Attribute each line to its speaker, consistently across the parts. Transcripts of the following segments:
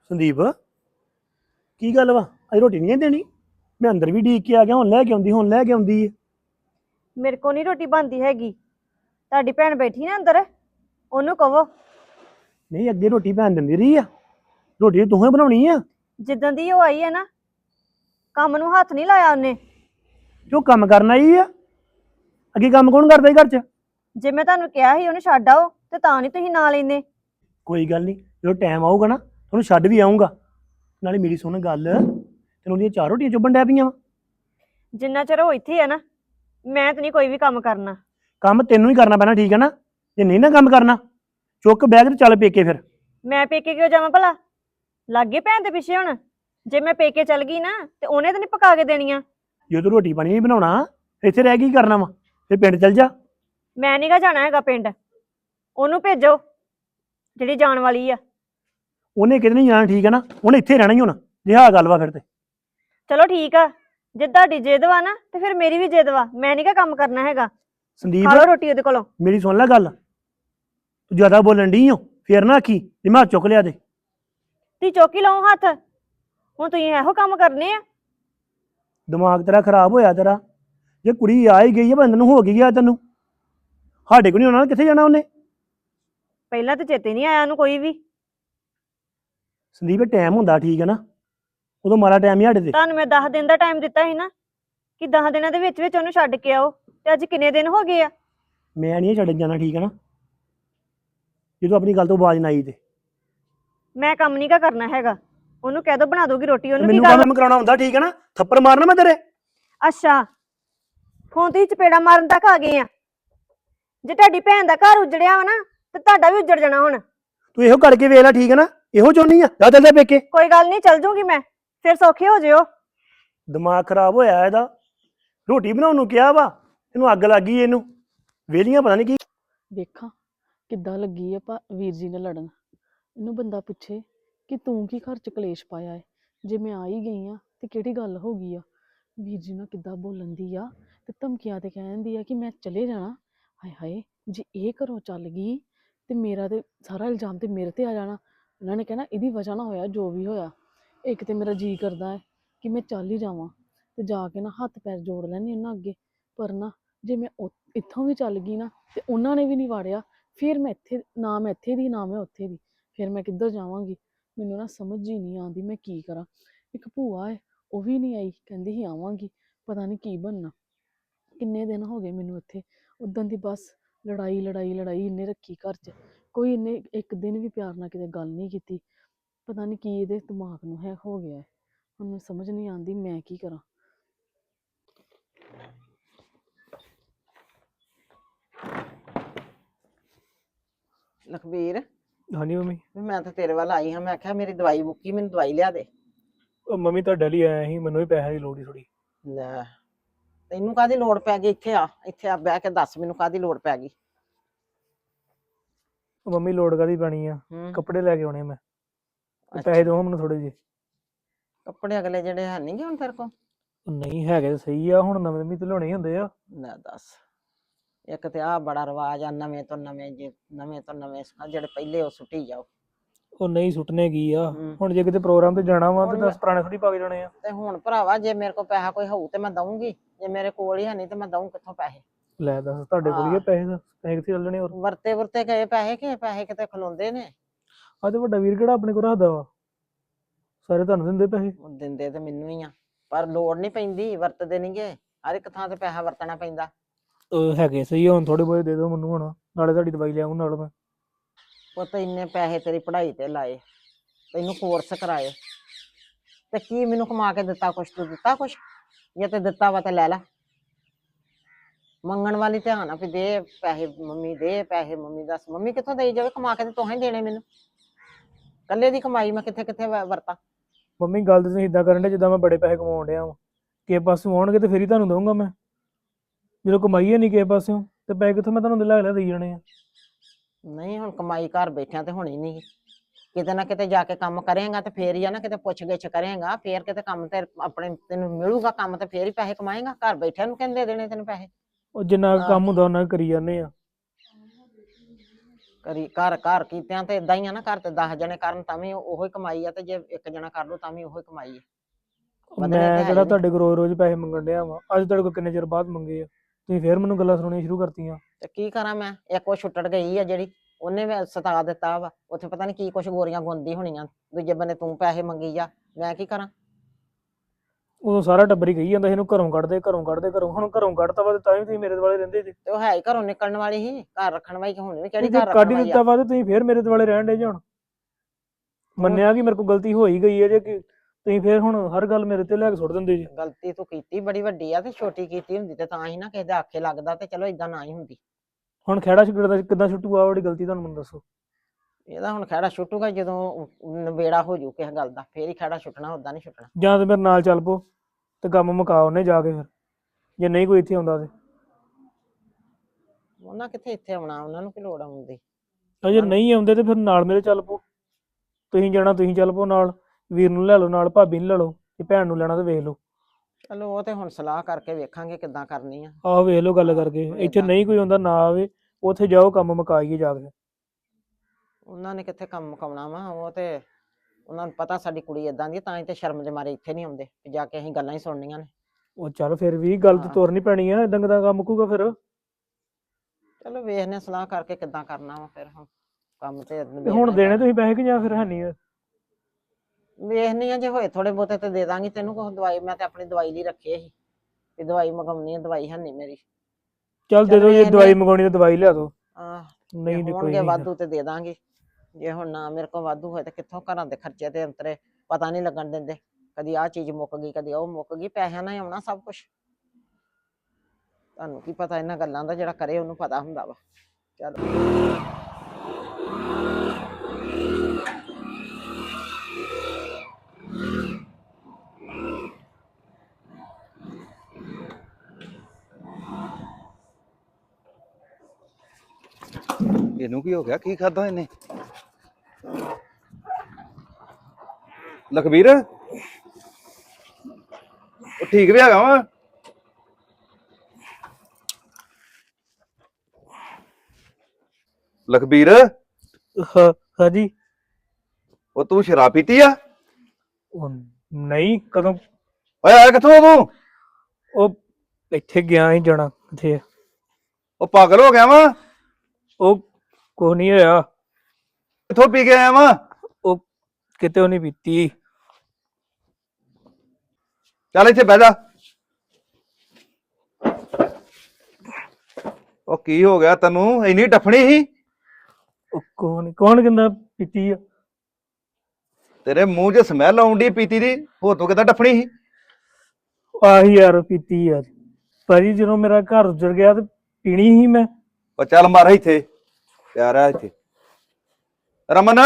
Speaker 1: ਸੰਦੀਪ ਕੀ ਗੱਲ ਵਾ ਅੱਜ ਰੋਟੀ ਨਹੀਂ ਦੇਣੀ। ਮੈਂ ਅੰਦਰ ਵੀ ਡੀਕ ਕੇ ਆ ਗਿਆ, ਹੁਣ ਲੈ ਕੇ ਆਉਂਦੀ ਹੈ।
Speaker 2: ਮੇਰੇ ਕੋ ਨਹੀਂ ਰੋਟੀ ਬਣਦੀ ਹੈਗੀ। ਤੁਹਾਡੀ ਭੈਣ ਬੈਠੀ ਨਾ ਅੰਦਰ, ਉਹਨੂੰ ਕਹੋ।
Speaker 1: ਨਹੀਂ ਅੱਗੇ ਰੋਟੀ ਭੈਣ ਦਿੰਦੀ ਰਹੀ ਆ, ਰੋਟੀ ਤੂੰ ਹੀ ਬਣਾਉਣੀ ਆ।
Speaker 2: ਜਿੱਦਾਂ ਦੀ ਉਹ ਆਈ ਹੈ ਨਾ, ਕੰਮ ਨੂੰ ਹੱਥ ਨਹੀਂ ਲਾਇਆ ਉਹਨੇ।
Speaker 1: ਜੋ ਕੰਮ ਕਰਨ ਆਈ ਆ, ਅੱਗੇ ਕੰਮ ਕੌਣ ਕਰਦਾ ਘਰ 'ਚ?
Speaker 2: ਜੇ ਮੈਂ ਤੁਹਾਨੂੰ ਕਿਹਾ ਸੀ ਉਹਨੂੰ ਛੱਡ ਆਓ ਤੇ ਤਾਂ ਨਹੀਂ ਤੁਸੀਂ ਨਾਲ ਲੈਂਦੇ।
Speaker 1: ਕੋਈ ਗੱਲ ਨਹੀਂ, ਜਦੋਂ ਟਾਈਮ ਆਊਗਾ ਨਾ ਤੁਹਾਨੂੰ ਛੱਡ ਵੀ ਆਊਂਗਾ। ਨਾਲੇ ਮੇਰੀ ਸੁਣ ਗੱਲ, ਤੈਨੂੰ ਉਹਦੀਆਂ 4 ਰੋਟੀਆਂ ਚੁੱਭਣ ਡੈ ਪਈਆਂ ਵਾ।
Speaker 2: ਜਿੰਨਾ ਚਿਰ ਉਹ ਇੱਥੇ ਹੈ ਨਾ, ਮੈਂ ਤਾਂ ਨਹੀਂ ਕੋਈ ਵੀ ਕੰਮ ਕਰਨਾ।
Speaker 1: ਕੰਮ ਤੈਨੂੰ ਹੀ ਕਰਨਾ ਪੈਣਾ, ਠੀਕ ਹੈ ਨਾ? ਜੇ ਨਹੀਂ ਨਾ ਕੰਮ ਕਰਨਾ, ਚੁੱਕ ਬੈਗ ਤੇ ਚੱਲ ਪੇਕੇ ਫਿਰ।
Speaker 2: ਮੈਂ ਪੇਕੇ ਕਿਉਂ ਜਾਵਾਂ ਭਲਾ? ਲੱਗੇ ਭੈਣ ਦੇ ਪਿੱਛੇ ਹੁਣ। ਜੇ ਮੈਂ ਪੇਕੇ ਚੱਲ ਗਈ ਨਾ ਤੇ ਉਹਨੇ ਤਾਂ ਨਹੀਂ ਪਕਾ ਕੇ ਦੇਣੀਆਂ।
Speaker 1: ਜੇ ਤੂੰ ਰੋਟੀ ਪਾਣੀ ਨਹੀਂ ਬਣਾਉਣਾ, ਇੱਥੇ ਰਹਿ ਕੇ ਕੀ ਕਰਨਾ ਵਾ? ਤੇ ਪਿੰਡ ਚੱਲ ਜਾ।
Speaker 2: ਮੈਂ ਨਹੀਂ ਗਾ ਜਾਣਾ ਹੈਗਾ ਪਿੰਡ। ਉਹਨੂੰ ਭੇਜੋ ਜਿਹੜੀ ਜਾਣ ਵਾਲੀ ਆ।
Speaker 1: ਉਹਨੇ ਕਿਤੇ ਨਹੀਂ ਜਾਣਾ, ਠੀਕ ਹੈ ਨਾ? ਉਹਨੇ ਇੱਥੇ ਰਹਿਣਾ ਹੀ ਹੁਣ, ਜੇ ਆਹ ਗੱਲ ਵਾ ਫਿਰ ਤੇ।
Speaker 2: ਚਲੋ ਠੀਕ ਆ, ਜੇ ਤੁਹਾਡੀ ਜਿੱਦ ਵਾ ਨਾ ਤੇ ਫਿਰ ਮੇਰੀ ਵੀ ਜਿੱਦ ਵਾ। ਮੈਂ ਨਹੀਂ ਗਾ ਕੰਮ ਕਰਨਾ ਹੈਗਾ।
Speaker 1: ਸੰਦੀਪ
Speaker 2: ਖਾ ਲਓ ਰੋਟੀ ਉਹਦੇ ਕੋਲੋਂ।
Speaker 1: ਮੇਰੀ ਸੁਣ ਲੈ ਗੱਲ, ਤੂੰ ਜ਼ਿਆਦਾ ਬੋਲਣ ਡਈ ਓ, ਫੇਰ ਨਾ ਆਖੀ ਜੇ ਮੈਂ ਹੱਥ ਚੁੱਕ ਲਿਆ ਤੇ।
Speaker 2: ਤੁਸੀਂ ਚੌਕੀ ਲਾਓ ਹੱਥ। ਹੁਣ ਤੁਸੀਂ ਇਹੋ ਕੰਮ ਕਰਨੇ ਆ।
Speaker 1: ਦਿਮਾਗ ਤੇਰਾ ਖਰਾਬ ਹੋਇਆ ਤੇਰਾ। ਜੇ ਕੁੜੀ ਆ ਹੀ ਗਈ ਹੈ, ਬੰਦ ਨੂੰ ਹੋ ਗਈ ਆ ਤੈਨੂੰ। ਸਾਡੇ ਕੋਲ ਨਹੀਂ ਆਉਣਾ, ਕਿੱਥੇ ਜਾਣਾ ਉਹਨੇ?
Speaker 2: ਪਹਿਲਾਂ ਤਾਂ ਚੇਤੇ ਨਹੀਂ ਆਇਆ ਉਹਨੂੰ ਕੋਈ ਵੀ।
Speaker 1: ਸੰਦੀਪ ਟਾਈਮ ਹੁੰਦਾ, ਠੀਕ ਹੈ ਨਾ? ਉਦੋਂ ਮਾਰਾ ਟਾਈਮ ਹੀ ਸਾਡੇ ਤੇ।
Speaker 2: ਤੁਹਾਨੂੰ ਮੈਂ 10 ਦਿਨ ਦਾ ਟਾਈਮ ਦਿੱਤਾ ਸੀ ਨਾ, ਕਿ 10 ਦਿਨਾਂ ਦੇ ਵਿੱਚ ਉਹਨੂੰ ਛੱਡ ਕੇ ਆਓ। ਤੇ ਅੱਜ ਕਿੰਨੇ ਦਿਨ ਹੋ ਗਏ ਆ?
Speaker 1: ਮੈਂ ਨਹੀਂ ਛੱਡਣ ਜਾਣਾ, ਠੀਕ ਹੈ ਨਾ? ਜੇ ਤੂੰ ਆਪਣੀ ਗੱਲ ਤੋਂ ਆਵਾਜ਼ ਨਾ ਆਈ ਤੇ।
Speaker 2: ਮੈਂ ਕੰਮ ਨਹੀਂ ਗਾ ਕਰਨਾ ਹੈਗਾ। ਉਹਨੂੰ ਕਹਿ ਦੋ ਬਣਾ ਦੋਗੀ ਰੋਟੀ। ਉਹਨੂੰ ਕੀ
Speaker 1: ਮੈਨੂੰ
Speaker 2: ਗੱਲ?
Speaker 1: ਕੰਮ ਕਰਾਉਣਾ ਹੁੰਦਾ, ਠੀਕ ਹੈ ਨਾ? ਥੱਪੜ ਮਾਰਨਾ ਮੈਂ ਤੇਰੇ।
Speaker 2: ਅੱਛਾ, ਹੁਣ ਤੁਸੀਂ ਚਪੇੜਾ ਮਾਰਨ ਤੱਕ ਆ ਗਏ ਆ। ਜੇ ਤੁਹਾਡੀ ਭੈਣ ਦਾ ਘਰ ਉਜੜਿਆ ਵਾ ਨਾ, ਤੇ ਤੁਹਾਡਾ ਵੀ ਉਜੜ ਜਾਣਾ ਹੁਣ।
Speaker 1: ਤੂੰ ਇਹੋ ਕਰਕੇ ਵੇਖ ਲੈ, ਠੀਕ ਹੈ ਨਾ? ਇਹੋ ਚਾਹੁੰਦੀ ਆ, ਜਾ ਚੱਲਦੇ ਪੇਕੇ।
Speaker 2: ਕੋਈ ਗੱਲ ਨਹੀਂ, ਚੱਲ ਜੂਗੀ ਮੈਂ, ਫਿਰ ਸੌਖੇ ਹੋ ਜਿਓ।
Speaker 1: ਦਿਮਾਗ ਖਰਾਬ ਹੋਇਆ ਇਹਦਾ। ਰੋਟੀ ਬਣਾਉਣ ਨੂੰ ਕਿਹਾ ਵਾ, ਇਹਨੂੰ ਅੱਗ ਲੱਗ ਗਈ। ਇਹਨੂੰ ਵੇਲੀਆਂ ਪਤਾ ਨਹੀਂ ਕੀ।
Speaker 3: ਵੇਖਾਂ ਕਿੱਦਾਂ ਲੱਗੀ ਆ ਵੀਰ ਜੀ ਨੇ ਲੜਨ। ਇਹਨੂੰ ਬੰਦਾ ਪੁੱਛੇ ਕਿ ਤੂੰ ਕੀ ਘਰ ਚ ਕਲੇਸ਼ ਪਾਇਆ ਹੈ? ਜੇ ਮੈਂ ਆ ਹੀ ਗਈ ਆ ਤੇ ਕਿਹੜੀ ਗੱਲ ਹੋ ਗਈ ਆ? ਵੀਰ ਜੀ ਨਾਲ ਕਿੱਦਾਂ ਬੋਲਣ ਦੀ ਆ, ਤੇ ਧਮਕੀਆਂ ਤੇ ਕਹਿੰਦੀ ਆ ਕਿ ਮੈਂ ਚਲੇ ਜਾਣਾ। ਹਾਏ ਹਾਏ, ਜੇ ਇਹ ਘਰੋਂ ਚੱਲ ਗਈ ਤੇ ਮੇਰਾ ਤੇ ਸਾਰਾ ਇਲਜ਼ਾਮ ਤੇ ਮੇਰੇ ਤੇ ਆ ਜਾਣਾ। ਉਹਨਾਂ ਨੇ ਕਹਿਣਾ ਇਹਦੀ ਵਜ੍ਹਾ ਨਾਲ ਹੋਇਆ ਜੋ ਵੀ ਹੋਇਆ। ਇੱਕ ਤੇ ਮੇਰਾ ਜੀਅ ਕਰਦਾ ਹੈ ਕਿ ਮੈਂ ਚੱਲ ਹੀ ਜਾਵਾਂ ਤੇ ਜਾ ਕੇ ਨਾ ਹੱਥ ਪੈਰ ਜੋੜ ਲੈਣੀ ਉਹਨਾਂ ਅੱਗੇ। ਪਰ ਨਾ, ਜੇ ਮੈਂ ਇੱਥੋਂ ਵੀ ਚੱਲ ਗਈ ਨਾ ਤੇ ਉਹਨਾਂ ਨੇ ਵੀ ਨਹੀਂ ਵਾੜਿਆ, ਫਿਰ ਮੈਂ ਇੱਥੇ ਨਾ, ਮੈਂ ਇੱਥੇ ਦੀ ਨਾ ਮੈਂ ਉੱਥੇ ਦੀ, ਫਿਰ ਮੈਂ ਕਿੱਧਰ ਜਾਵਾਂਗੀ? ਮੈਨੂੰ ਨਾ ਸਮਝ ਹੀ ਨਹੀਂ ਆਉਂਦੀ ਮੈਂ ਕੀ ਕਰਾਂ। ਇੱਕ ਭੂਆ ਹੈ, ਉਹ ਵੀ ਨਹੀਂ ਆਈ, ਕਹਿੰਦੀ ਸੀ ਆਵਾਂਗੀ, ਪਤਾ ਨਹੀਂ ਕੀ ਬਣਨਾ। ਕਿੰਨੇ ਦਿਨ ਹੋ ਗਏ ਮੈਨੂੰ ਇੱਥੇ। ਉਦੋਂ ਦੀ ਬਸ ਲੜਾਈ ਲੜਾਈ ਲੜਾਈ ਇਹਨੇ ਰੱਖੀ ਘਰ 'ਚ। ਕੋਈ ਇਹਨੇ ਇੱਕ ਦਿਨ ਵੀ ਪਿਆਰ ਨਾਲ ਕਿਤੇ ਗੱਲ ਨਹੀਂ ਕੀਤੀ। ਪਤਾ ਨਹੀਂ ਕੀ ਇਹਦੇ ਦਿਮਾਗ ਨੂੰ ਹੋ ਗਿਆ ਹੈ। ਹੁਣ ਮੈਨੂੰ ਸਮਝ ਨਹੀਂ ਆਉਂਦੀ ਮੈਂ ਕੀ ਕਰਾਂ।
Speaker 4: ਲਖਬੀਰ,
Speaker 1: ਹਾਂਜੀ ਮੰਮੀ।
Speaker 4: ਮੈਂ ਤਾਂ ਤੇਰੇ ਵੱਲ ਆਈ ਹਾਂ। ਮੈਂ ਆਖਿਆ ਮੇਰੀ ਦਵਾਈ ਮੁੱਕੀ, ਮੈਨੂੰ ਦਵਾਈ ਲਿਆ ਦੇ।
Speaker 1: ਉਹ ਮੰਮੀ ਤੁਹਾਡੇ ਲਈ ਆਇਆ ਸੀ, ਮੈਨੂੰ ਵੀ ਪੈਸਿਆਂ ਦੀ ਲੋੜ ਸੀ ਥੋੜੀ।
Speaker 4: ਲੈ, ਤੈਨੂੰ ਕਾਹਦੀ ਲੋੜ ਪੈ ਗਈ? ਇੱਥੇ ਆ ਬਹਿ ਕੇ ਦੱਸ ਮੈਨੂੰ ਕਾਹਦੀ ਲੋੜ ਪੈ ਗਈ।
Speaker 1: ਉਹ ਮੰਮੀ ਲੋੜ ਕਾਹਦੀ ਪੈਣੀ ਆ? ਕੱਪੜੇ ਲੈ ਕੇ ਆਉਣੇ ਮੈਂ, ਪੈਸੇ ਦਿਓ ਮੈਨੂੰ ਥੋੜੇ ਜਿਹੇ।
Speaker 4: ਕੱਪੜੇ ਅਗਲੇ ਜਿਹੜੇ ਹੈ ਨਹੀਂ ਗੇ ਹੁਣ ਤੇਰੇ ਕੋਲ?
Speaker 1: ਨਹੀਂ ਹੈਗੇ ਤਾਂ ਸਹੀ ਆ, ਹੁਣ ਨਵੇਂ ਵੀ ਤਾਂ ਲਿਆਉਣੇ ਹੁੰਦੇ ਆ।
Speaker 4: ਲੈ ਦੱਸ, ਇੱਕ ਤੇ ਆਹ ਬੜਾ ਰਿਵਾਜ ਆ, ਨਵੇਂ ਤੋਂ ਨਵੇਂ ਜਿਹੜੇ ਪਹਿਲੇ ਉਹ ਸੁੱਟੀ ਜਾਓ।
Speaker 1: ਉਹ ਨਹੀਂ ਸੁੱਟਨੇ ਕੀ ਆ, ਹੁਣ ਜੇ ਕਿਤੇ ਪ੍ਰੋਗਰਾਮ ਤੇ ਜਾਣਾ ਵਾ ਤੇ 10 ਪੁਰਾਣੇ ਥੋੜੀ ਪਾ ਕੇ ਜਾਣੇ ਆ।
Speaker 4: ਤੇ ਹੁਣ ਭਰਾਵਾ, ਜੇ ਮੇਰੇ ਕੋਲ ਪੈਸਾ ਕੋਈ ਹੋਊ ਤੇ ਮੈਂ ਦਊਂਗੀ, ਜੇ ਮੇਰੇ ਕੋਲ ਹੀ ਹੈ ਨਹੀਂ ਤੇ ਮੈਂ ਦਊਂ ਕਿੱਥੋਂ ਪੈਸੇ?
Speaker 1: ਲੈ ਦੱਸ, ਤੁਹਾਡੇ ਕੋਲ ਹੀ ਆ ਪੈਸੇ? ਪੈਸੇ ਕਿੱਥੇ ਚੱਲਣੇ ਹੋਰ?
Speaker 4: ਵਰਤੇ ਗਏ ਪੈਸੇ ਕਿ ਪੈਸੇ ਕਿਤੇ ਖਲੋਂਦੇ ਨੇ?
Speaker 1: ਆ ਤੇ ਵੱਡਾ ਵੀਰ ਕਿਹੜਾ ਆਪਣੇ ਕੋਲ ਰੱਖਦਾ ਵਾ, ਸਾਰੇ ਤੁਹਾਨੂੰ ਦਿੰਦੇ ਪੈਸੇ।
Speaker 4: ਦਿੰਦੇ ਤੇ ਮੈਨੂੰ ਹੀ ਆ, ਪਰ ਲੋੜ ਨਹੀਂ ਪੈਂਦੀ, ਵਰਤਦੇ ਨਹੀਂਗੇ। ਹਰ ਇੱਕ ਥਾਂ ਤੇ ਪੈਸਾ ਵਰਤਣਾ ਪੈਂਦਾ।
Speaker 1: ਹੈਗੇ ਸਹੀ, ਹੁਣ ਥੋੜੇ ਬਹੁਤ ਦੇ ਦਿਓ ਮੈਨੂੰ, ਹੁਣ ਨਾਲੇ ਤੁਹਾਡੀ ਦਵਾਈ ਲਿਆਉਂ ਨਾਲ ਮੈਂ।
Speaker 4: ਪੁੱਤ ਇੰਨੇ ਪੈਸੇ ਤੇਰੀ ਪੜ੍ਹਾਈ ਤੇ ਲਾਏ, ਤੈਨੂੰ ਕੋਰਸ ਕਰਾਏ, ਤੇ ਕੀ ਮੈਨੂੰ ਕਮਾ ਕੇ ਦਿੱਤਾ? ਕੁਛ ਤੂੰ ਦਿੱਤਾ ਕੁਛ? ਜੇ ਤੇ ਦਿੱਤਾ ਵਾ ਤੇ ਲੈ ਲਾ। ਮੰਗਣ ਵਾਲੀ ਧਿਆਨ ਆ ਵੀ ਦੇ ਪੈਸੇ ਮੰਮੀ, ਦੇ ਪੈਸੇ ਮੰਮੀ। ਦੱਸ ਮੰਮੀ ਕਿੱਥੋਂ ਦੇਈ ਜਾਵੇ? ਕਮਾ ਕੇ ਤੇ ਤੂੰ ਹੀ ਦੇਣੇ ਮੈਨੂੰ। ਇਕੱਲੇ ਦੀ ਕਮਾਈ ਮੈਂ ਕਿੱਥੇ ਕਿੱਥੇ ਵਰਤਾਂ?
Speaker 1: ਮੰਮੀ ਗੱਲ ਤਾਂ ਤੁਸੀਂ ਇਦਾਂ ਕਰਨ ਡੇ ਜਿੱਦਾਂ ਮੈਂ ਬੜੇ ਪੈਸੇ ਕਮਾਉਣ ਡਿਆ ਵਾਂ। ਕਿਸੇ ਪਾਸੋਂ ਆਉਣਗੇ ਤੇ ਫਿਰ ਹੀ ਤੁਹਾਨੂੰ ਦਊਂਗਾ ਮੈਂ। ਜਦੋਂ ਕਮਾਈ ਹੈ ਨਹੀਂ ਕਿਸੇ ਪਾਸਿਓਂ ਤੇ ਪੈਸੇ ਕਿੱਥੋਂ ਮੈਂ ਤੁਹਾਨੂੰ ਲੈ ਦੇਈ ਜਾਣੇ ਆ?
Speaker 4: ਨਹੀਂ, ਹੁਣ ਕਮਾਈ ਘਰ ਬੈਠਿਆਂ ਤੇ ਹੋਣੀ ਨਹੀਂ। ਕਿਤੇ ਨਾ ਕਿਤੇ ਜਾ ਕੇ ਕੰਮ ਕਰੇਗਾ ਤੇ ਫੇਰ ਹੀ ਆ ਨਾ, ਕਿਤੇ ਪੁੱਛ ਗਿੱਛ ਕਰੇਗਾ ਫੇਰ ਕਿਤੇ ਕੰਮ ਤੇ ਆਪਣੇ ਤੈਨੂੰ ਮਿਲੂਗਾ ਕੰਮ, ਤੇ ਫੇਰ ਹੀ ਪੈਸੇ ਕਮਾਏਗਾ। ਘਰ ਬੈਠਿਆਂ ਨੂੰ ਕਹਿੰਦੇ ਦੇਣੇ ਤੈਨੂੰ ਪੈਸੇ?
Speaker 1: ਉਹ ਜਿੰਨਾ ਕੰਮ ਹੁੰਦਾ ਉਹਨਾਂ ਕਰੀ ਜਾਂਦੇ ਆ।
Speaker 4: ਕਰੀ ਘਰ ਘਰ ਕੀਤਿਆਂ ਤੇ ਇਦਾਂ ਹੀ ਆ ਨਾ, ਘਰ ਤੇ 10 ਜਣੇ ਕਰਨ ਤਾਂ ਵੀ ਉਹੋ ਹੀ ਕਮਾਈ ਆ, ਤੇ ਜੇ ਇੱਕ ਜਣਾ ਕਰ ਲੋ ਤਾਂ ਵੀ ਉਹੋ ਹੀ ਕਮਾਈ ਆ। ਵਧਣੇ ਤੇ
Speaker 1: ਮੈਂ
Speaker 4: ਹੈ
Speaker 1: ਕਿਹੜਾ
Speaker 4: ਹੀ ਨੇ।
Speaker 1: ਤੁਹਾਡੇ ਕੋਲ ਰੋਜ਼ ਰੋਜ਼ ਪੈਸੇ ਮੰਗਣ ਡਿਆ ਵਾਂ, ਅੱਜ ਤੁਹਾਡੇ ਕੋਲ ਕਿੰਨੇ ਚਿਰ ਬਾਅਦ ਮੰਗੇ ਆ, ਤੁਸੀਂ ਫੇਰ ਮੈਨੂੰ ਗੱਲਾਂ ਸੁਣਾਉਣੀਆਂ ਸ਼ੁਰੂ ਕਰਤੀਆਂ।
Speaker 4: ਤੇ ਕੀ ਕਰਾਂ ਮੈਂ, ਇੱਕ ਉਹ ਛੁੱਟੜ ਗਈ ਆ ਜਿਹੜੀ, ਉਹਨੇ ਵੀ ਸਤਾ ਦਿੱਤਾ ਵਾ, ਉੱਥੇ ਪਤਾ ਨੀ ਕੀ ਕੁਛ ਗੋਰੀਆਂ ਗੁੰਦੀ ਹੋਣੀਆਂ, ਦੂਜੇ ਬੰਨੇ ਤੂੰ ਪੈਸੇ ਮੰਗੀ ਜਾ, ਮੈਂ ਕੀ ਕਰਾਂ।
Speaker 1: ਉਦੋਂ ਸਾਰਾ ਟੱਬਰ ਹੀ ਕਹੀ ਜਾਂਦਾ ਸੀ ਇਹਨੂੰ ਘਰੋਂ ਕੱਢਦੇ ਘਰੋਂ ਕੱਢਦੇ ਘਰੋਂ, ਹੁਣ ਘਰੋਂ ਕੱਢਤਾ ਵਾ ਤੇ ਤਾਂ ਵੀ ਤੁਸੀਂ ਮੇਰੇ ਦੁਆਲੇ ਰਹਿੰਦੇ ਜੇ।
Speaker 4: ਤੇ ਉਹ ਹੈ ਹੀ ਘਰੋਂ ਨਿਕਲਣ ਵਾਲੀ ਸੀ, ਘਰ ਰੱਖਣ ਵਾਲੀ, ਹੁਣ ਵੀ ਕਿਹੜੀ
Speaker 1: ਤੇ ਜੇ
Speaker 4: ਘਰ ਰੱਖਣ
Speaker 1: ਕੱਢ ਹੀ
Speaker 4: ਵਾਲੀ ਆ।
Speaker 1: ਦਿੱਤਾ ਵਾ ਤੇ ਤੁਸੀਂ ਫੇਰ ਮੇਰੇ ਦੁਆਲੇ ਰਹਿਣ ਡੇ ਜੇ ਹੁਣ। ਮੰਨਿਆ ਕਿ ਮੇਰੇ ਕੋਲ ਗਲਤੀ ਹੋ ਹੀ ਗਈ ਹੈ ਜੇ, ਕਿ ਤੁਸੀਂ ਫੇਰ ਹੁਣ ਹਰ ਗੱਲ ਮੇਰੇ ਤੇ ਲੈ ਕੇ ਸੁੱਟ ਦਿੰਦੇ ਜੀ।
Speaker 4: ਗਲਤੀ ਤੂੰ ਕੀਤੀ ਬੜੀ ਵੱਡੀ ਆ, ਤੇ ਛੋਟੀ ਕੀਤੀ ਹੁੰਦੀ ਤੇ ਤਾਂ ਹੀ ਨਾ ਕਿਸੇ ਦੇ ਆਖੇ ਲੱਗਦਾ, ਤੇ ਚਲੋ ਏਦਾਂ ਨਾ ਹੀ ਹੁੰਦੀ।
Speaker 1: ਹੁਣ ਖਹਿੜਾ ਛਿੜਦਾ ਕਿੱਦਾਂ ਛੁੱਟੂ ਆ ਵਾਲੀ ਗਲਤੀ, ਤੁਹਾਨੂੰ ਮੈਨੂੰ ਦੱਸੋ।
Speaker 4: ਇਹਦਾ ਹੁਣ ਖਹਿੜਾ ਛੁੱਟੂਗਾ ਜਦੋਂ ਨਵੇੜਾ ਹੋ ਜੂ ਕਿਸੇ ਗੱਲ ਦਾ, ਫੇਰ ਹੀ ਖਹਿੜਾ ਛੁੱਟਣਾ, ਓਦਾਂ ਨਹੀਂ ਛੁੱਟਣਾ।
Speaker 1: ਜਾਂ ਤੇ ਮੇਰੇ ਨਾਲ ਚੱਲ ਪੋ ਤੇ ਕੰਮ ਮੁਕਾ ਉਹਨੇ ਜਾ ਕੇ, ਫਿਰ ਜੇ ਨਹੀਂ ਕੋਈ ਇੱਥੇ ਆਉਂਦਾ ਤੇ।
Speaker 4: ਉਹਨਾਂ ਕਿੱਥੇ ਇੱਥੇ ਆਉਣਾ, ਉਹਨਾਂ ਨੂੰ ਕੀ ਲੋੜ ਆਉਣ ਦੀ।
Speaker 1: ਜੇ ਨਹੀਂ ਆਉਂਦੇ ਤੇ ਫਿਰ ਨਾਲ ਮੇਰੇ ਚੱਲ ਪੋ, ਤੁਸੀਂ ਜਾਣਾ ਤੁਸੀਂ ਚੱਲ ਪੋ ਨਾਲ, ਵੀਰ ਨੂੰ ਲੈ ਲਓ ਨਾਲ, ਭਾਬੀ ਨੂੰ ਲੈ ਲਓ, ਜੇ ਭੈਣ ਨੂੰ ਲੈਣਾ ਤੇ ਵੇਖ ਲਓ।
Speaker 4: ਚਲੋ ਉਹ ਤੇ ਹੁਣ ਸਲਾਹ ਕਰਕੇ ਵੇਖਾਂਗੇ ਕਿੱਦਾਂ ਕਰਨੀ ਆ।
Speaker 1: ਆਹੋ ਵੇਖ ਲਓ ਗੱਲ ਕਰਕੇ, ਇੱਥੇ ਨਹੀਂ ਕੋਈ ਆਉਂਦਾ ਨਾ ਆਵੇ, ਉੱਥੇ ਜਾਓ ਕੰਮ ਮੁਕਾਈਏ ਜਾ ਕੇ।
Speaker 4: ਉਹਨਾਂ ਨੇ ਕਿੱਥੇ ਕੰਮ ਮੁਕਾਉਣਾ ਵਾ, ਉਹ ਤੇ ਉਹਨਾਂ ਨੂੰ ਪਤਾ ਸਾਡੀ ਕੁੜੀ ਏਦਾਂ ਦੀ, ਤਾਂ ਹੀ ਤੇ ਸ਼ਰਮ ਦੇ ਮਾਰੇ ਇੱਥੇ ਨਹੀਂ ਆਉਂਦੇ, ਵੀ ਜਾ ਕੇ ਅਸੀਂ ਗੱਲਾਂ ਹੀ ਸੁਣਨੀਆਂ ਨੇ।
Speaker 1: ਉਹ ਚੱਲ ਫਿਰ ਵੀ ਗੱਲ ਤੇ ਤੋਰਨੀ ਪੈਣੀ ਆ, ਏਦਾਂ ਕਿਦਾਂ ਕੰਮ ਮੁੱਕੂਗਾ ਫਿਰ।
Speaker 4: ਚਲੋ ਵੇਖਦੇ ਹਾਂ ਸਲਾਹ ਕਰਕੇ ਕਿੱਦਾਂ ਕਰਨਾ ਵਾ ਫਿਰ, ਹੁਣ ਕੰਮ ਤੇ
Speaker 1: ਤੇ ਹੁਣ ਦੇਣੇ ਤੁਸੀਂ ਪੈਸੇ ਕਿ ਜਾਂ ਫਿਰ ਹੈ ਨਹੀਂ ਆ?
Speaker 4: ਵੇਖਨੀ ਆ, ਜੇ ਹੋਏ ਥੋੜੇ ਬਹੁਤੇ ਤੇ ਦੇ ਦਾਂਗੀ ਤੈਨੂੰ। ਕੁਛ ਦਵਾਈ ਮੈਂ ਤੇ ਆਪਣੀ ਦਵਾਈ ਲਈ ਰੱਖੇ ਸੀ, ਵੀ ਦਵਾਈ ਮੰਗਾਉਣੀ ਆ, ਦਵਾਈ ਹੈ ਨਹੀਂ ਮੇਰੀ।
Speaker 1: ਚੱਲ ਦੇ ਦਿਓ, ਜੇ ਦਵਾਈ ਮੰਗਾਉਣੀ ਤਾਂ ਦਵਾਈ ਲਿਆ ਦਿਓ।
Speaker 4: ਆਹ
Speaker 1: ਨਹੀਂ ਤੇ ਕੋਈ
Speaker 4: ਹੋਣਗੇ
Speaker 1: ਨਹੀਂ,
Speaker 4: ਵਾਧੂ ਤੇ ਦੇ ਦਾਂਗੇ, ਜੇ ਹੁਣ ਨਾ ਮੇਰੇ ਕੋਲ ਵਾਧੂ ਹੋਏ ਤੇ ਕਿੱਥੋਂ ਘਰਾਂ ਦੇ ਖਰਚੇ ਤੇ ਅੰਤਰੇ ਪਤਾ ਨਹੀਂ ਲੱਗਣ ਦਿੰਦੇ, ਕਦੀ ਆਹ ਚੀਜ਼ ਮੁੱਕ ਗਈ, ਕਦੀ ਉਹ ਮੁੱਕ ਗਈ, ਪੈਸਿਆਂ ਨਾਲ ਹੀ ਆਉਣਾ ਸਭ ਕੁਛ। ਤੁਹਾਨੂੰ ਕੀ ਪਤਾ ਇਹਨਾਂ ਗੱਲਾਂ ਦਾ, ਜਿਹੜਾ ਕਰੇ ਉਹਨੂੰ ਪਤਾ ਹੁੰਦਾ ਵਾ। ਚੱਲ
Speaker 5: ਇਹਨੂੰ ਕੀ ਹੋ ਗਿਆ, ਕੀ ਖਾਦਾ ਇਹਨੇ? ਲਖਬੀਰ ਉਹ ਠੀਕ ਵੀ ਹੈਗਾ ਵਾ? ਲਖਬੀਰ
Speaker 1: ਹਾਂਜੀ।
Speaker 5: ਉਹ ਤੂੰ ਸ਼ਰਾਬ ਪੀਤੀ ਆ?
Speaker 1: ਉਹ ਨਹੀਂ, ਕਦੋਂ?
Speaker 5: ਓਏ ਆਇਆ ਕਿੱਥੋਂ ਤੂੰ?
Speaker 1: ਉਹ ਇੱਥੇ ਗਿਆ ਹੀ, ਜਾਣਾ ਕਿੱਥੇ?
Speaker 5: ਉਹ ਪਾਗਲ ਹੋ ਗਿਆ ਵਾ?
Speaker 1: ਉਹ ਕੁਛ ਨਹੀਂ ਹੋਇਆ,
Speaker 5: ਕਿੱਥੋਂ ਪੀ ਕੇ ਆਇਆ ਵਾ?
Speaker 1: ਉਹ ਕਿਤੇ ਉਹ ਨਹੀਂ ਪੀਤੀ।
Speaker 5: ਚੱਲ ਇੱਥੇ ਬਹਿ ਜਾ। ਉਹ ਕੀ ਹੋ ਗਿਆ ਤੈਨੂੰ, ਇੰਨੀ ਡੱਫਣੀ ਸੀ?
Speaker 1: ਉਹ ਕੌਣ ਕਹਿੰਦਾ ਪੀਤੀ ਆ?
Speaker 5: ਤੇਰੇ ਮੂੰਹ 'ਚ ਸਮੈਲ ਆਉਂਦੀ ਪੀਤੀ ਦੀ, ਹੋਰ ਤੂੰ ਕਿੱਦਾਂ ਡੱਫਣੀ ਸੀ?
Speaker 1: ਆਹੀ ਯਾਰ ਪੀਤੀ ਯਾਰ, ਭਾਜੀ ਜਦੋਂ ਮੇਰਾ ਘਰ ਉੱਜੜ ਗਿਆ ਤੇ ਪੀਣੀ ਸੀ ਮੈਂ।
Speaker 5: ਉਹ ਚੱਲ ਮਾਰ ਇੱਥੇ, ਪਿਆਰਾ ਇੱਥੇ। ਰਮਨ